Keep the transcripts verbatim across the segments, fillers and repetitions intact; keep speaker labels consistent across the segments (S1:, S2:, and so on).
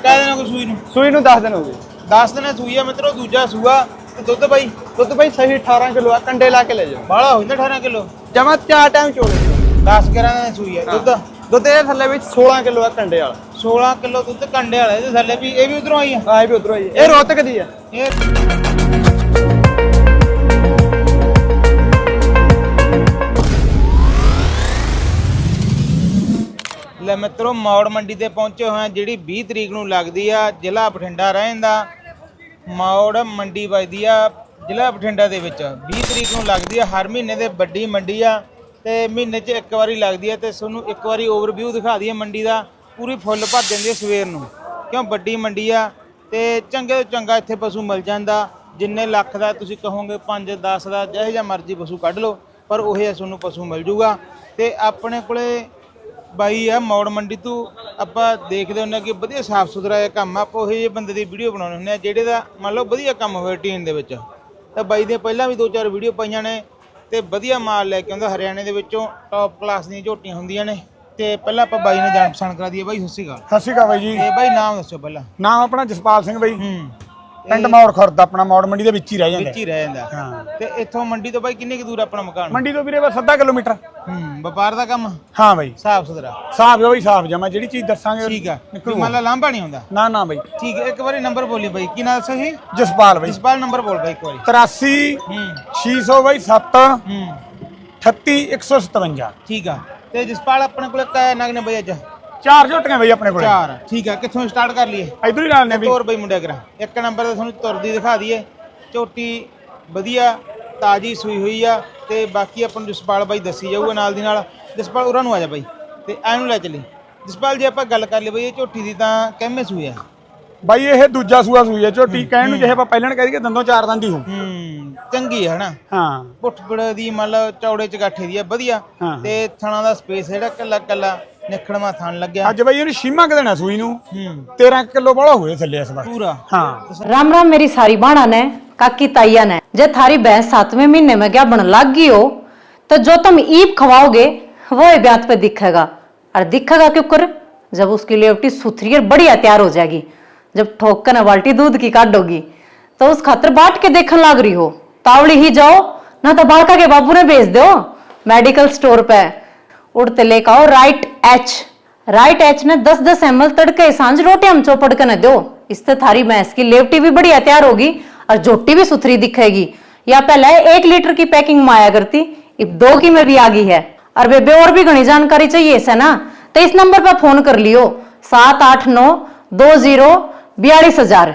S1: ਕਹਿ ਦੇਣਾ ਕੋਈ ਸੂਈ ਨੂੰ
S2: ਸੂਈ ਨੂੰ ਦਸ ਦਿਨ ਹੋ ਗਏ।
S1: ਦਸ ਦਿਨ ਸੂਈ ਆ ਮਿੱਤਰੋ, ਦੂਜਾ ਸੂਆ। ਤੇ ਦੁੱਧ ਬਾਈ
S2: ਦੁੱਧ ਬਾਈ ਸਹੀ ਅਠਾਰਾਂ ਕਿਲੋ ਆ, ਕੰਡੇ ਲਾ ਕੇ ਲੈ ਜਾਓ।
S1: ਬਾਹਲਾ ਹੋ ਜਾਂਦਾ ਅਠਾਰਾਂ ਕਿਲੋ
S2: ਜਮਾ ਚਾਰ ਟਾਈਮ ਚੋਲੇ।
S1: ਦਸ ਗਿਆਰਾਂ ਦਿਨ ਸੂਈ ਆ। ਦੁੱਧ
S2: ਦੁੱਧ ਇਹਦੇ ਥੱਲੇ ਵਿੱਚ ਸੋਲਾਂ ਕਿਲੋ ਆ ਕੰਡੇ ਵਾਲਾ।
S1: ਸੋਲਾਂ ਕਿਲੋ ਦੁੱਧ ਕੰਡੇ ਵਾਲਾ। ਇਹਦੇ ਥੱਲੇ ਵੀ ਇਹ ਵੀ ਉਧਰੋਂ ਆਈ ਆ।
S2: ਹਾਂ ਇਹ ਵੀ ਉਧਰੋਂ ਆਈ। ਇਹ ਰੋਹਤਕ ਦੀ ਆ।
S1: ਇਹ ਲੈ ਮਿੱਤਰੋ ਮੌੜ ਮੰਡੀ ਤੇ ਪਹੁੰਚੇ ਹੋਏ ਆ, ਜਿਹੜੀ ਵੀਹ ਤਰੀਕ ਨੂੰ ਲੱਗਦੀ ਆ। ਜ਼ਿਲ੍ਹਾ ਬਠਿੰਡਾ ਰਹਿੰਦਾ। ਮੌੜ ਮੰਡੀ ਵੱਜਦੀ ਆ ਜ਼ਿਲ੍ਹਾ ਬਠਿੰਡਾ ਦੇ ਵਿੱਚ। ਵੀਹ ਤਰੀਕ ਨੂੰ ਲੱਗਦੀ ਆ। ਹਰ ਮਹੀਨੇ ਦੇ ਵੱਡੀ ਮੰਡੀ ਆ ਤੇ ਮਹੀਨੇ 'ਚ ਇੱਕ ਵਾਰੀ ਲੱਗਦੀ ਆ। ਤੇ ਤੁਹਾਨੂੰ ਇੱਕ ਵਾਰੀ ਓਵਰਵਿਊ ਦਿਖਾ ਦਈਏ ਮੰਡੀ ਦਾ। ਪੂਰੀ ਫੁੱਲ ਭਰ ਜਾਂਦੀ ਆ ਸਵੇਰ ਨੂੰ, ਕਿਉਂ ਵੱਡੀ ਮੰਡੀ ਆ। ਤੇ ਚੰਗੇ ਤੋਂ ਚੰਗਾ ਇੱਥੇ ਪਸ਼ੂ ਮਿਲ ਜਾਂਦਾ। ਜਿੰਨੇ ਲੱਖ ਦਾ ਤੁਸੀਂ ਕਹੋਗੇ, ਪੰਜ ਦਸ ਦਾ ਜਿਹੋ ਜਿਹਾ ਮਰਜ਼ੀ ਪਸ਼ੂ ਕੱਢ ਲਓ, ਪਰ ਉਹ ਜਿਹਾ ਤੁਹਾਨੂੰ ਪਸ਼ੂ ਮਿਲ ਜੂਗਾ। ਤੇ ਆਪਣੇ ਕੋਲੇ ਬਾਈ ਆ ਮੌੜ ਮੰਡੀ ਤੋਂ। ਆਪਾਂ ਦੇਖਦੇ ਹੁੰਦੇ ਕਿ ਵਧੀਆ ਸਾਫ ਸੁਥਰਾ ਇਹ ਕੰਮ ਆ। ਆਪਾਂ ਉਹ ਜਿਹੇ ਬੰਦੇ ਦੀ ਵੀਡੀਓ ਬਣਾਉਂਦੇ ਹੁੰਦੇ ਆ ਜਿਹੜੇ ਦਾ ਮੰਨ ਲਓ ਵਧੀਆ ਕੰਮ ਹੋਵੇ ਟੀਨ ਦੇ ਵਿੱਚ। ਤਾਂ ਬਾਈ ਦੀਆਂ ਪਹਿਲਾਂ ਵੀ ਦੋ ਚਾਰ ਵੀਡੀਓ ਪਾਈਆਂ ਨੇ ਤੇ ਵਧੀਆ ਮਾਲ ਲੈ ਕੇ ਆਉਂਦਾ। ਹਰਿਆਣੇ ਦੇ ਵਿੱਚੋਂ ਟੌਪ ਕਲਾਸ ਦੀਆਂ ਝੋਟੀਆਂ ਹੁੰਦੀਆਂ ਨੇ। ਤੇ ਪਹਿਲਾਂ ਆਪਾਂ ਬਾਈ ਨੇ ਜਾਣ ਪਛਾਣ ਕਰਾ ਦਈਏ। ਬਾਈ ਸਤਿ ਸ਼੍ਰੀ ਅਕਾਲ।
S2: ਸਤਿ ਸ਼੍ਰੀ ਅਕਾਲ ਬਾਈ ਜੀ।
S1: ਤੇ ਬਾਈ ਨਾਮ ਦੱਸੋ ਪਹਿਲਾਂ।
S2: ਨਾਮ ਆਪਣਾ ਜਸਪਾਲ ਸਿੰਘ ਬਾਈ।
S1: ਹੂੰ
S2: ਪਿੰਡ ਮੌੜ ਖੁਰਦ, ਆਪਣਾ ਮੌੜ ਮੰਡੀ ਦੇ ਵਿੱਚ ਹੀ ਰਹਿ ਜਾਂਦਾ।
S1: ਵਿੱਚ ਹੀ ਰਹਿ ਜਾਂਦਾ।
S2: ਹਾਂ।
S1: ਤੇ ਇੱਥੋਂ ਮੰਡੀ ਤੋਂ ਬਾਈ ਕਿੰਨੀ ਕੁ ਦੂਰ ਆਪਣਾ ਮਕਾਨ?
S2: ਮੰਡੀ ਤੋਂ ਵੀਰੇ ਬਸ ਅੱਧਾ ਕਿਲੋਮੀਟਰ।
S1: ਹੂੰ ਵਪਾਰ ਦਾ ਕੰਮ
S2: ਹਾਂ ਬਾਈ।
S1: ਸਾਫ ਸੁਥਰਾ
S2: ਸਾਫ ਜੋ ਬਾਈ ਸਾਫ ਜਮਾ, ਜਿਹੜੀ ਚੀਜ਼ ਦੱਸਾਂਗੇ
S1: ਠੀਕ ਆ। ਮੰਨ ਲਾ ਲਾਂਭਾ ਨਹੀਂ ਆਉਂਦਾ।
S2: ਨਾ ਨਾ ਬਾਈ।
S1: ਠੀਕ ਹੈ। ਇੱਕ ਵਾਰੀ ਨੰਬਰ ਬੋਲੀ ਬਾਈ, ਕੀ ਨਾਮ ਦੱਸੋ ਜੀ?
S2: ਜਸਪਾਲ ਬਾਈ।
S1: ਜਸਪਾਲ ਨੰਬਰ ਬੋਲ ਬਾਈ ਇੱਕ ਵਾਰੀ।
S2: ਤਰਾਸੀ
S1: ਹੂੰ
S2: ਛੇ ਸੌ ਬਾਈ ਸੱਤ
S1: ਹੂੰ
S2: ਅਠੱਤੀ ਇੱਕ ਸੌ ਸਤਵੰਜਾ।
S1: ਠੀਕ ਆ। ਤੇ ਜਸਪਾਲ ਆਪਣੇ ਕੋਲ ਕਿੰਨੇ ਨਗ ਨੇ ਬਾਈ ਅੱਜ?
S2: ਚਾਰ ਝੋਟੀਆਂ ਬਾਈ ਆਪਣੇ ਕੋਲ।
S1: ਚਾਰ। ਠੀਕ ਆ। ਕਿੱਥੋਂ ਸਟਾਰਟ ਕਰ ਲਈਏ?
S2: ਇਧਰ ਹੀ ਨਾਲ ਨੇ ਬਈ।
S1: ਤੋਰ ਬਾਈ ਮੁੰਡਿਆ ਕਰਾ ਇੱਕ ਨੰਬਰ ਤੇ ਤੁਹਾਨੂੰ ਤੁਰਦੀ ਦਿਖਾ ਦਈਏ। ਝੋਟੀ ਵਧੀਆ ਤਾਜੀ ਸੂਈ ਹੋਈ ਆ। ਤੇ ਬਾਕੀ ਆਪਾਂ ਨੂੰ ਜਸਪਾਲ ਬਾਈ ਦੱਸੀ ਜਾਊਗਾ ਨਾਲ ਦੀ ਨਾਲ। ਜਸਪਾਲ ਉਰਾਂ ਨੂੰ ਆ ਜਾ ਬਾਈ ਤੇ ਐਨੂੰ ਲੈ ਚੱਲੀ। ਜਸਪਾਲ ਜੇ ਆਪਾਂ ਗੱਲ ਕਰ ਲਈ ਬਈ ਇਹ ਝੋਟੀ ਦੀ, ਤਾਂ ਕਿੰਨੇ ਸੂਈ ਆ
S2: ਬਾਈ? ਇਹ ਦੂਜਾ ਸੂਆ ਸੂਈ ਹੈ ਝੋਟੀ। ਕਹਿਣ ਨੂੰ ਜਿਹੇ ਆਪਾਂ ਪਹਿਲਾਂ ਕਹਿ ਦਈਏ ਦੰਦੋਂ ਚਾਰ ਦੰਦ ਹੀ ਹੋ।
S1: ਹੂੰ ਚੰਗੀ ਹੈ ਹਨਾ।
S2: ਹਾਂ
S1: ਪੁੱਠਪੜ ਦੀ ਮਤਲਬ ਚੌੜੇ ਚਗਾਠੇ ਦੀ ਆ ਵਧੀਆ। ਤੇ ਥਣਾ ਦਾ ਸਪੇਸ ਜਿਹੜਾ ਕੱਲਾ ਕੱਲਾ ਨਿਖੜਵਾ ਥਣ ਲੱਗਿਆ।
S2: ਅੱਜ ਬਾਈ ਇਹਨੂੰ ਛੀਮਾ ਕ ਦੇਣਾ ਸੂਈ ਨੂੰ।
S1: ਹੂੰ
S2: तेरह किलो बड़ा हुए थले इस बार
S1: पूरा।
S2: हाँ।
S3: राम राम मेरी सारी बाणा ने काकी ताइया ने। जे थारी भैंस सातवें महीने में क्या बन लाग गई हो, तो जो तुम ईप खवाओगे वो ब्यात पे दिखेगा। और दिखेगा क्यों कर? जब उसकी लेवटी सुथरी और बढ़िया तैयार हो जाएगी। जब ठोक कर बाल्टी दूध की काटोगी तो उस खातर बाट के देखने लाग रही हो, तावड़ी ही जाओ ना तो बालका के बाबू ने भेज दो मेडिकल स्टोर पे। उड़ते लेकर आओ राइट एच। राइट एच ने दस दस एम एल तड़के सांझ रोटी हम चौपड़ के न दो। इससे थारी भैंस की लेवटी भी बढ़िया तैयार होगी और झोटी भी सुथरी दिखेगी। या पहले एक लीटर की पैकिंग में आया करती, अब दो की में भी आ गई है। और बेबे और भी घनी जानकारी चाहिए इसे ना, तो इस नंबर पर फोन कर लियो सात आठ नौ दो जीरो बयालीस हजार।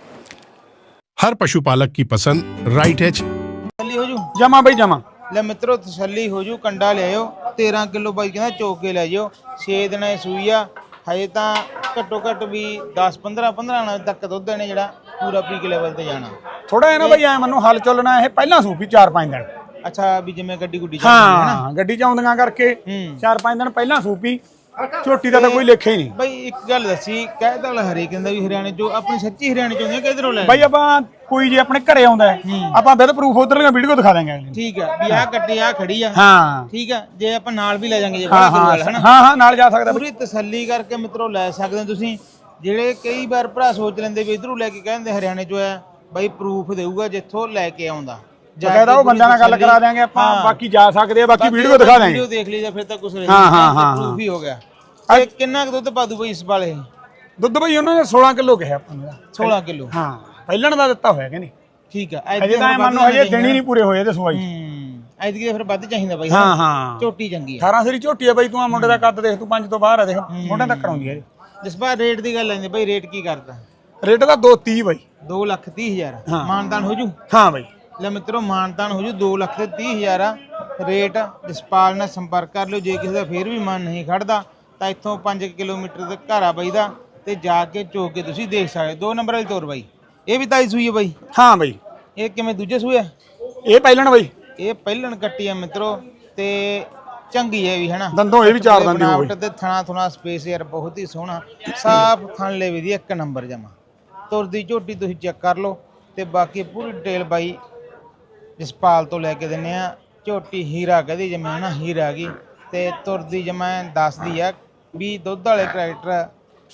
S4: हर पशुपालक की पसंद राइट एच।
S1: ਤਸੱਲੀ ਹੋ ਜੂ।
S2: जमा भाई जमा।
S1: ਲੈ ਮਿੱਤਰੋ ਤਸੱਲੀ ਹੋ ਜੂ। ਕੰਡਾ ਲਿਆਇਓ तेरह किलो ਬਾਈ ਕਹਿੰਦਾ ਚੋਕ ਕੇ ਲੈ ਜਿਓ। ਛੇ ਦਿਨਾਂ ਦੀ ਸੂਈ ਆ। ਹਜੇ ਤਾਂ ਘੱਟੋ ਘੱਟ ਵੀ दस पंद्रह पंद्रह ਦਿਨਾਂ ਤੱਕ ਦੁੱਧ ਨੇ ਜਿਹੜਾ ਪੂਰਾ ਪੀਕ ਲੈਵਲ ਤੇ ਜਾਣਾ।
S2: थोड़ा है ना भाई ਐ ਮੈਨੂੰ ਹਲ ਚੱਲਣਾ ਇਹ ਪਹਿਲਾਂ ਸੂਪੀ ਚਾਰ ਪੰਜ ਦਿਨ।
S1: ਅੱਛਾ ਵੀ ਜਿਵੇਂ ਗੱਡੀ ਗੁੱਡੀ ਚੱਲਦੀ ਹੈ ਨਾ।
S2: ਹਾਂ ਗੱਡੀ ਚ ਆਉਂਦੀਆਂ ਕਰਕੇ
S1: ਹੂੰ
S2: ਚਾਰ ਪੰਜ ਦਿਨ ਪਹਿਲਾਂ ਸੂਪੀ। ਝੋਟੀ ਦਾ ਤਾਂ ਕੋਈ ਲੇਖਾ ਹੀ ਨਹੀਂ
S1: ਬਾਈ। ਇੱਕ ਗੱਲ ਦੱਸੀ, ਕਹਿਦਾ ਵਾਲਾ ਹਰੇਕ ਕਹਿੰਦਾ ਵੀ ਹਰਿਆਣੇ ਚੋਂ ਆਪਣੀ ਸੱਚੀ ਹਰਿਆਣੇ ਚੋਂ ਹੁੰਦੇ ਕਿਧਰੋਂ ਲੈ
S2: ਬਾਈ। ਆਪਾਂ ਕੋਈ ਜੇ ਆਪਣੇ ਘਰੇ ਆਉਂਦਾ ਆਪਾਂ ਵਿਦ ਪ੍ਰੂਫ ਉਧਰਲੀਆਂ ਵੀਡੀਓ ਦਿਖਾ ਦਾਂਗੇ ਅਗਲੇ ਨੂੰ।
S1: ਠੀਕ ਆ ਵੀ ਆਹ ਕੱਟੀ ਆ ਖੜੀ ਆ।
S2: ਹਾਂ
S1: ਠੀਕ ਆ। ਜੇ ਆਪਾਂ ਨਾਲ ਵੀ ਲੈ ਜਾਾਂਗੇ ਜੇ
S2: ਹਾਂ
S1: ਬੜਾ ਗੁਰੂ ਵਾਲਾ ਹਨਾ।
S2: ਹਾਂ ਹਾਂ ਨਾਲ ਜਾ ਸਕਦਾ।
S1: ਪੂਰੀ ਤਸੱਲੀ ਕਰਕੇ ਮਿੱਤਰੋ ਲੈ ਸਕਦੇ ਹੋ ਤੁਸੀਂ। ਜਿਹੜੇ ਕਈ ਵਾਰ ਭਰਾ ਸੋਚ ਲੈਂਦੇ ਵੀ ਇਧਰੋਂ ਲੈ ਕੇ ਕਹਿੰਦੇ ਹਰਿਆਣੇ ਚੋਂ ਆ, ਬਾਈ ਪ੍ਰੂਫ ਦੇਊਗਾ ਜਿੱਥੋਂ ਲੈ ਕੇ ਆਉਂਦਾ।
S2: ਕਹਿੰਦਾ ਉਹ ਬੰਦਿਆਂ ਨਾਲ ਗੱਲ ਕਰਾ ਦਿਆਂਗੇ ਆਪਾਂ। ਬਾਕੀ ਜਾ ਸਕਦੇ ਆ, ਬਾਕੀ ਵੀਡੀਓ ਦਿਖਾ ਦਾਂਗੇ।
S1: ਵੀਡੀਓ ਦੇਖ ਲਈ ਜਾਂ ਫਿਰ ਤਾਂ ਕੁਝ ਨਹੀਂ।
S2: ਹਾਂ ਹਾਂ ਹਾਂ
S1: ਪ੍ਰੂਫ ਹੀ ਹੋ ਗਿਆ। ਤੇ ਕਿੰਨਾ ਕੁ ਦੁੱਧ ਪਾ ਦੂ ਬਈ ਇਸ ਵਾਲੇ?
S2: ਦੁੱਧ ਬਈ ਉਹਨਾਂ ਨੇ सोलह ਕਿਲੋ ਕਿਹਾ ਆਪਾਂ ਨੂੰ।
S1: सोलह ਕਿਲੋ।
S2: ਹਾਂ ਪਹਿਲਣ ਦਾ ਦਿੱਤਾ ਹੋਇਆ ਕਿ ਨਹੀਂ?
S1: ਠੀਕ ਆ।
S2: ਅਜੇ ਤਾਂ ਮੰਨ ਲਓ ਹਜੇ ਦਿਨ ਹੀ ਨਹੀਂ ਪੂਰੇ ਹੋਏ ਤੇ ਸਵਾਈ।
S1: ਹੂੰ ਐਤਕੀ ਤਾਂ ਫਿਰ ਵੱਧ ਚਾਹੀਦਾ ਬਾਈ।
S2: ਹਾਂ ਹਾਂ
S1: ਝੋਟੀ ਚੰਗੀ ਆ।
S2: ਅਠਾਰਾਂ ਸਰੀ ਝੋਟੀ ਆ ਬਾਈ। ਤੂੰ ਆ ਮੁੰਡੇ ਦਾ ਕੱਦ ਦੇਖ, ਤੂੰ ਪੰਜ ਤੋਂ ਬਾਹਰ ਆ ਦੇਖ, ਮੋਢਿਆਂ ਤੱਕ ਆਉਂਦੀ ਹੈ।
S1: ਜਿਸ ਵਾਰ ਰੇਟ ਦੀ ਗੱਲ ਆਂਦੀ ਬਾਈ, ਰੇਟ ਕੀ ਕਰਦਾ?
S2: ਰੇਟ ਦਾ ਦੋ ਤੀਹ ਬਾਈ।
S1: ਦੋ ਲੱਖ ਤੀਹ ਹਜ਼ਾਰ
S2: ਹਾਂ।
S1: ਮਾਨਦਾਨ ਹੋ ਜੂ?
S2: ਹਾਂ ਬਾਈ।
S1: ਲੈ ਮਿੱਤਰੋ ਮਾਨਦਾਨ ਹੋ ਜੂ। ਦੋ ਲੱਖ ਤੇ ਤੀਹ ਹਜ਼ਾਰ ਆ ਰੇਟ। ਜਸਪਾਲ ਨਾਲ ਸੰਪਰਕ ਕਰ ਲਿਓ। ਜੇ ਕਿਸੇ ਦਾ ਫੇਰ ਵੀ ਮਨ ਨਹੀਂ ਖੜਦਾ ਤਾਂ ਇੱਥੋਂ ਪੰਜ ਕਿਲੋਮੀਟਰ ਦੇ ਘਰ ਆ ਬਾਈ ਦਾ, ਤੇ ਜਾ ਕੇ ਚੋਕ ਕੇ ਤੁਸੀਂ ਦੇਖ ਸਕਦੇ। ਦੋ ਨੰਬਰ ਵਾਲੀ ਤੋਰ ਬਾਈ। ਇਹ ਵੀ ਤਾਈ ਸੂਈ ਹੈ ਬਾਈ?
S2: ਹਾਂ ਬਾਈ।
S1: ਇਹ ਕਿਵੇਂ ਦੂਜੇ ਸੂਏ ਆ?
S2: ਇਹ ਪਹਿਲਣ ਬਾਈ।
S1: ਇਹ ਪਹਿਲਣ ਕੱਟੀ ਆ ਮਿੱਤਰੋ। ਤੇ ਚੰਗੀ ਹੈ ਵੀ ਹਨਾ।
S2: ਦੰਦੋਂ ਇਹ ਵੀ ਚਾਰ ਦੰਦੀ ਹੋ ਗਈ।
S1: ਤੇ ਥਣਾ ਥੁਣਾ ਸਪੇਸ ਯਾਰ ਬਹੁਤ ਹੀ ਸੋਹਣਾ ਸਾਫ ਥਣ ਲੈ ਵੀ ਦੀ ਇੱਕ ਨੰਬਰ ਜਮਾ। ਤੁਰਦੀ ਝੋਟੀ ਤੁਸੀਂ ਚੈੱਕ ਕਰ ਲਓ। ਤੇ ਬਾਕੀ ਪੂਰੀ ਡਿਟੇਲ ਬਾਈ ਜਸਪਾਲ ਤੋਂ ਲੈ ਕੇ ਦਿੰਨੇ ਆ। ਝੋਟੀ ਹੀਰਾ ਕਹਦੀ ਜਿਵੇਂ ਹਨਾ, ਹੀਰਾ ਗਈ। ਤੇ ਤੁਰਦੀ ਜਮਾ ਦੱਸਦੀ ਆ ਵੀ ਦੁੱਧ ਵਾਲੇ ਟਰੈਕਟਰ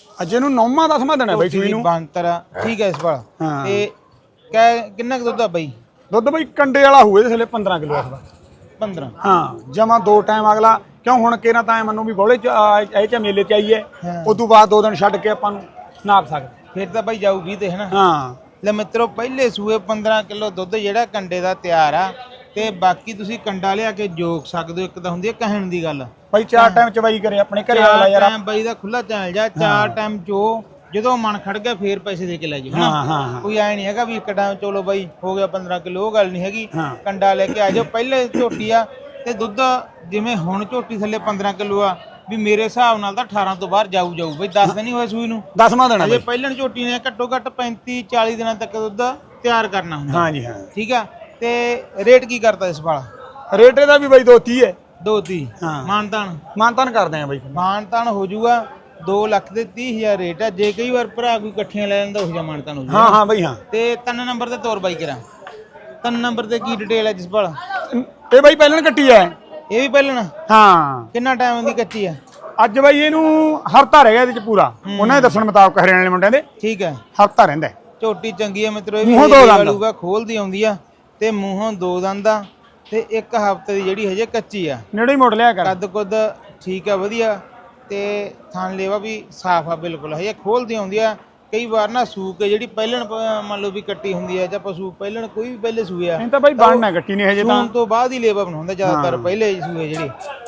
S2: ਅੱਜ ਇਹਨੂੰ ਨੌਵਾਂ ਦਸਵਾਂ ਦਿਨ ਹੈ ਬਾਈ ਸੂਈ ਨੂੰ।
S1: ਬੰਤਰ ਆ, ਠੀਕ ਹੈ ਇਸ ਵਾਲਾ।
S2: ਹਾਂ।
S1: ਤੇ ਕਹਿ ਕਿੰਨਾ ਕੁ ਦੁੱਧ ਆ ਬਾਈ?
S2: ਦੁੱਧ ਬਾਈ ਕੰਡੇ ਵਾਲਾ ਹੋਵੇ ਥੱਲੇ ਪੰਦਰਾਂ ਕਿਲੋ ਇਸ ਵਾਰ।
S1: ਪੰਦਰਾਂ?
S2: ਹਾਂ ਜਮਾ ਦੋ ਟਾਈਮ ਅਗਲਾ ਕਿਉਂ ਹੁਣ ਕਿਹੜਾ ਤਾਂ ਮੈਨੂੰ ਵੀ ਬੋਲੇ ਚ ਇਹ ਚ ਮੇਲੇ ਚ ਆਈਏ
S1: ਹਾਂ।
S2: ਉਸ ਤੋਂ ਬਾਅਦ ਦੋ ਦਿਨ ਛੱਡ ਕੇ ਆਪਾਂ ਨੂੰ ਨਾਪ ਸਕਦੇ।
S1: ਫਿਰ ਤਾਂ ਬਾਈ ਜਾਊ ਵੀਹ ਤੇ ਹੈ ਨਾ।
S2: ਹਾਂ
S1: ਲੈ ਮਿੱਤਰੋ ਪਹਿਲੇ ਸੂਏ ਪੰਦਰਾਂ ਕਿਲੋ ਦੁੱਧ ਜਿਹੜਾ ਕੰਡੇ ਦਾ ਤਿਆਰ ਆ, ਤੇ ਬਾਕੀ ਤੁਸੀਂ ਕੰਡਾ ਲਿਆ ਕੇ ਜੋਕ ਸਕਦੇ ਹੋ। ਇੱਕ ਤਾਂ ਹੁੰਦੀ ਹੈ ਕਹਿਣ ਦੀ ਗੱਲ,
S2: ਬਾਈ ਚਾਰ ਟਾਈਮ ਚਵਾਈ ਕਰੇ ਆਪਣੇ ਘਰੇ ਵਾਲਾ ਯਾਰ।
S1: ਟਾਈਮ ਬਾਈ ਦਾ ਖੁੱਲਾ ਚੱਲ ਜਾ, ਚਾਰ ਟਾਈਮ ਚੋ ਜਦੋਂ ਮਨ ਖੜ ਗਿਆ ਫੇਰ ਪੈਸੇ ਦੇ ਕੇ ਲੈ ਜਾਓ।
S2: ਹਾਂ ਹਾਂ ਹਾਂ
S1: ਕੋਈ ਐ ਨਹੀਂ ਹੈਗਾ ਵੀ ਇੱਕ ਟਾਈਮ ਚਲੋ ਬਾਈ ਹੋ ਗਿਆ ਪੰਦਰਾਂ ਕਿਲੋ, ਉਹ ਗੱਲ ਨਹੀਂ ਹੈਗੀ।
S2: ਹਾਂ।
S1: ਕੰਡਾ ਲੈ ਕੇ ਆ ਜਾਓ। ਪਹਿਲੇ ਝੋਟੀ ਆ ਤੇ ਦੁੱਧ ਜਿਵੇਂ ਹੁਣ ਝੋਟੀ ਥੱਲੇ ਪੰਦਰਾਂ ਕਿਲੋ ਆ, ਵੀ ਮੇਰੇ ਹਿਸਾਬ ਨਾਲ ਤਾਂ ਅਠਾਰਾਂ ਤੋਂ ਬਾਹਰ ਜਾਊ ਜਾਊ ਬਈ। ਦਸ ਦਿਨ ਹੀ ਹੋਏ ਸੂਈ ਨੂੰ,
S2: ਦਸਵਾਂ ਦਿਨ ਹੈ
S1: ਅਜੇ
S2: ਬਾਈ।
S1: ਪਹਿਲਣ ਝੋਟੀ ਨੇ ਘੱਟੋ ਘੱਟ ਪੈਂਤੀ ਚਾਲੀ ਦਿਨਾਂ ਤੱਕ ਦੁੱਧ ਤਿਆਰ ਕਰਨਾ ਹੁੰਦਾ।
S2: ਹਾਂ ਜੀ ਹਾਂ।
S1: ਠੀਕ ਆ। ਤੇ ਰੇਟ ਕੀ ਕਰਦਾ ਇਸ ਵਾਲਾ?
S2: ਰੇਟ ਇਹਦਾ ਵੀ ਬਾਈ ਦੋ ਤੀਹ ਹੈ।
S1: ਦੋ ਤੀਹ?
S2: ਹਾਂ।
S1: ਮਾਨਤਾਨ?
S2: ਮਾਨਤਾਨ ਕਰਦੇ ਆ ਬਾਈ।
S1: ਮਾਨਤਾਨ ਹੋ ਜਾਊਗਾ ਦੋ ਲੱਖ ਦੇ ਤੀਹ ਹਜ਼ਾਰ ਰੇਟ ਆ। ਜੇ ਕਈ ਵਾਰ ਭਰਾ ਕੋਈ ਇਕੱਠੀਆਂ ਲੈ ਲੈਂਦਾ ਉਹ ਜਿਹਾ ਮਾਨਤਾਨ ਹੋ ਜਾਊਗਾ।
S2: ਹਾਂ ਹਾਂ ਬਾਈ ਹਾਂ।
S1: ਤੇ ਤਿੰਨ ਨੰਬਰ ਤੇ ਤੋਰ ਬਾਈ ਕਰਾਂ। ਤਿੰਨ ਨੰਬਰ ਤੇ ਕੀ ਡਿਟੇਲ ਹੈ ਜਿਸ ਵਾਲਾ?
S2: ਇਹ ਬਾਈ ਪਹਿਲਾਂ ਕੱਟੀ ਹੈ।
S1: ਇਹ ਵੀ ਪਹਿਲਣ?
S2: ਹਾਂ।
S1: ਕਿੰਨਾ ਟਾਈਮ ਦੀ ਕੱਚੀ ਆ?
S2: ਅੱਜ ਬਾਈ ਇਹਨੂੰ ਹਫਤਾ ਰਹਿ ਗਿਆ ਇਹਦੇ ਚ ਪੂਰਾ। ਉਹਨਾਂ ਦੇ ਦੱਸਣ ਮੁਤਾਬਕ ਹਰਿਆਣੇ ਵਾਲੇ ਮੁੰਡਿਆਂ ਦੇ
S1: ਠੀਕ ਹੈ।
S2: ਹਫਤਾ ਰਹਿੰਦਾ।
S1: ਝੋਟੀ ਚੰਗੀ ਆ ਮਿੱਤਰੋ। ਇਹ ਵੀ
S2: ਮੂੰਹੋਂ ਦੋ ਦੰਦ
S1: ਵਾਲੂਗਾ ਖੋਲਦੀ ਆਉਂਦੀ ਆ ਤੇ ਮੂੰਹੋਂ ਦੋ ਦੰਦ ਆ ਤੇ ਇੱਕ ਹਫਤੇ ਦੀ ਜਿਹੜੀ ਹਜੇ ਕੱਚੀ ਆ।
S2: ਨੇੜੇ ਹੀ ਮੋੜ ਲਿਆ ਕਰ।
S1: ਕੱਦ ਕੁੱਦ ਠੀਕ ਆ ਵਧੀਆ ਤੇ ਥਣ ਲੇਵਾ ਵੀ ਸਾਫ ਆ ਬਿਲਕੁਲ। ਹਜੇ ਖੋਲਦੀ ਆਉਂਦੀ ਆ। ਕਈ ਵਾਰ ਨਾ ਸੂਕ ਕੇ ਜਿਹੜੀ ਪਹਿਲਣ ਮੰਨ ਲਓ ਵੀ ਕੱਟੀ ਹੁੰਦੀ ਆ ਜਾਂ ਪਸ਼ੂ ਪਹਿਲਣ ਕੋਈ ਵੀ ਪਹਿਲੇ ਸੂਏ ਆ,
S2: ਇਹ ਤਾਂ ਬਾਈ ਬਣਨਾ ਕੱਟੀ ਨਹੀਂ ਹਜੇ ਤਾਂ।
S1: ਸੂਣ ਤੋਂ ਬਾਅਦ ਹੀ ਲੇਵਾ ਬਣਾਉਂਦਾ ਜ਼ਿਆਦਾਤਰ ਪਹਿਲੇ ਸੂਏ ਜਿਹੜੇ।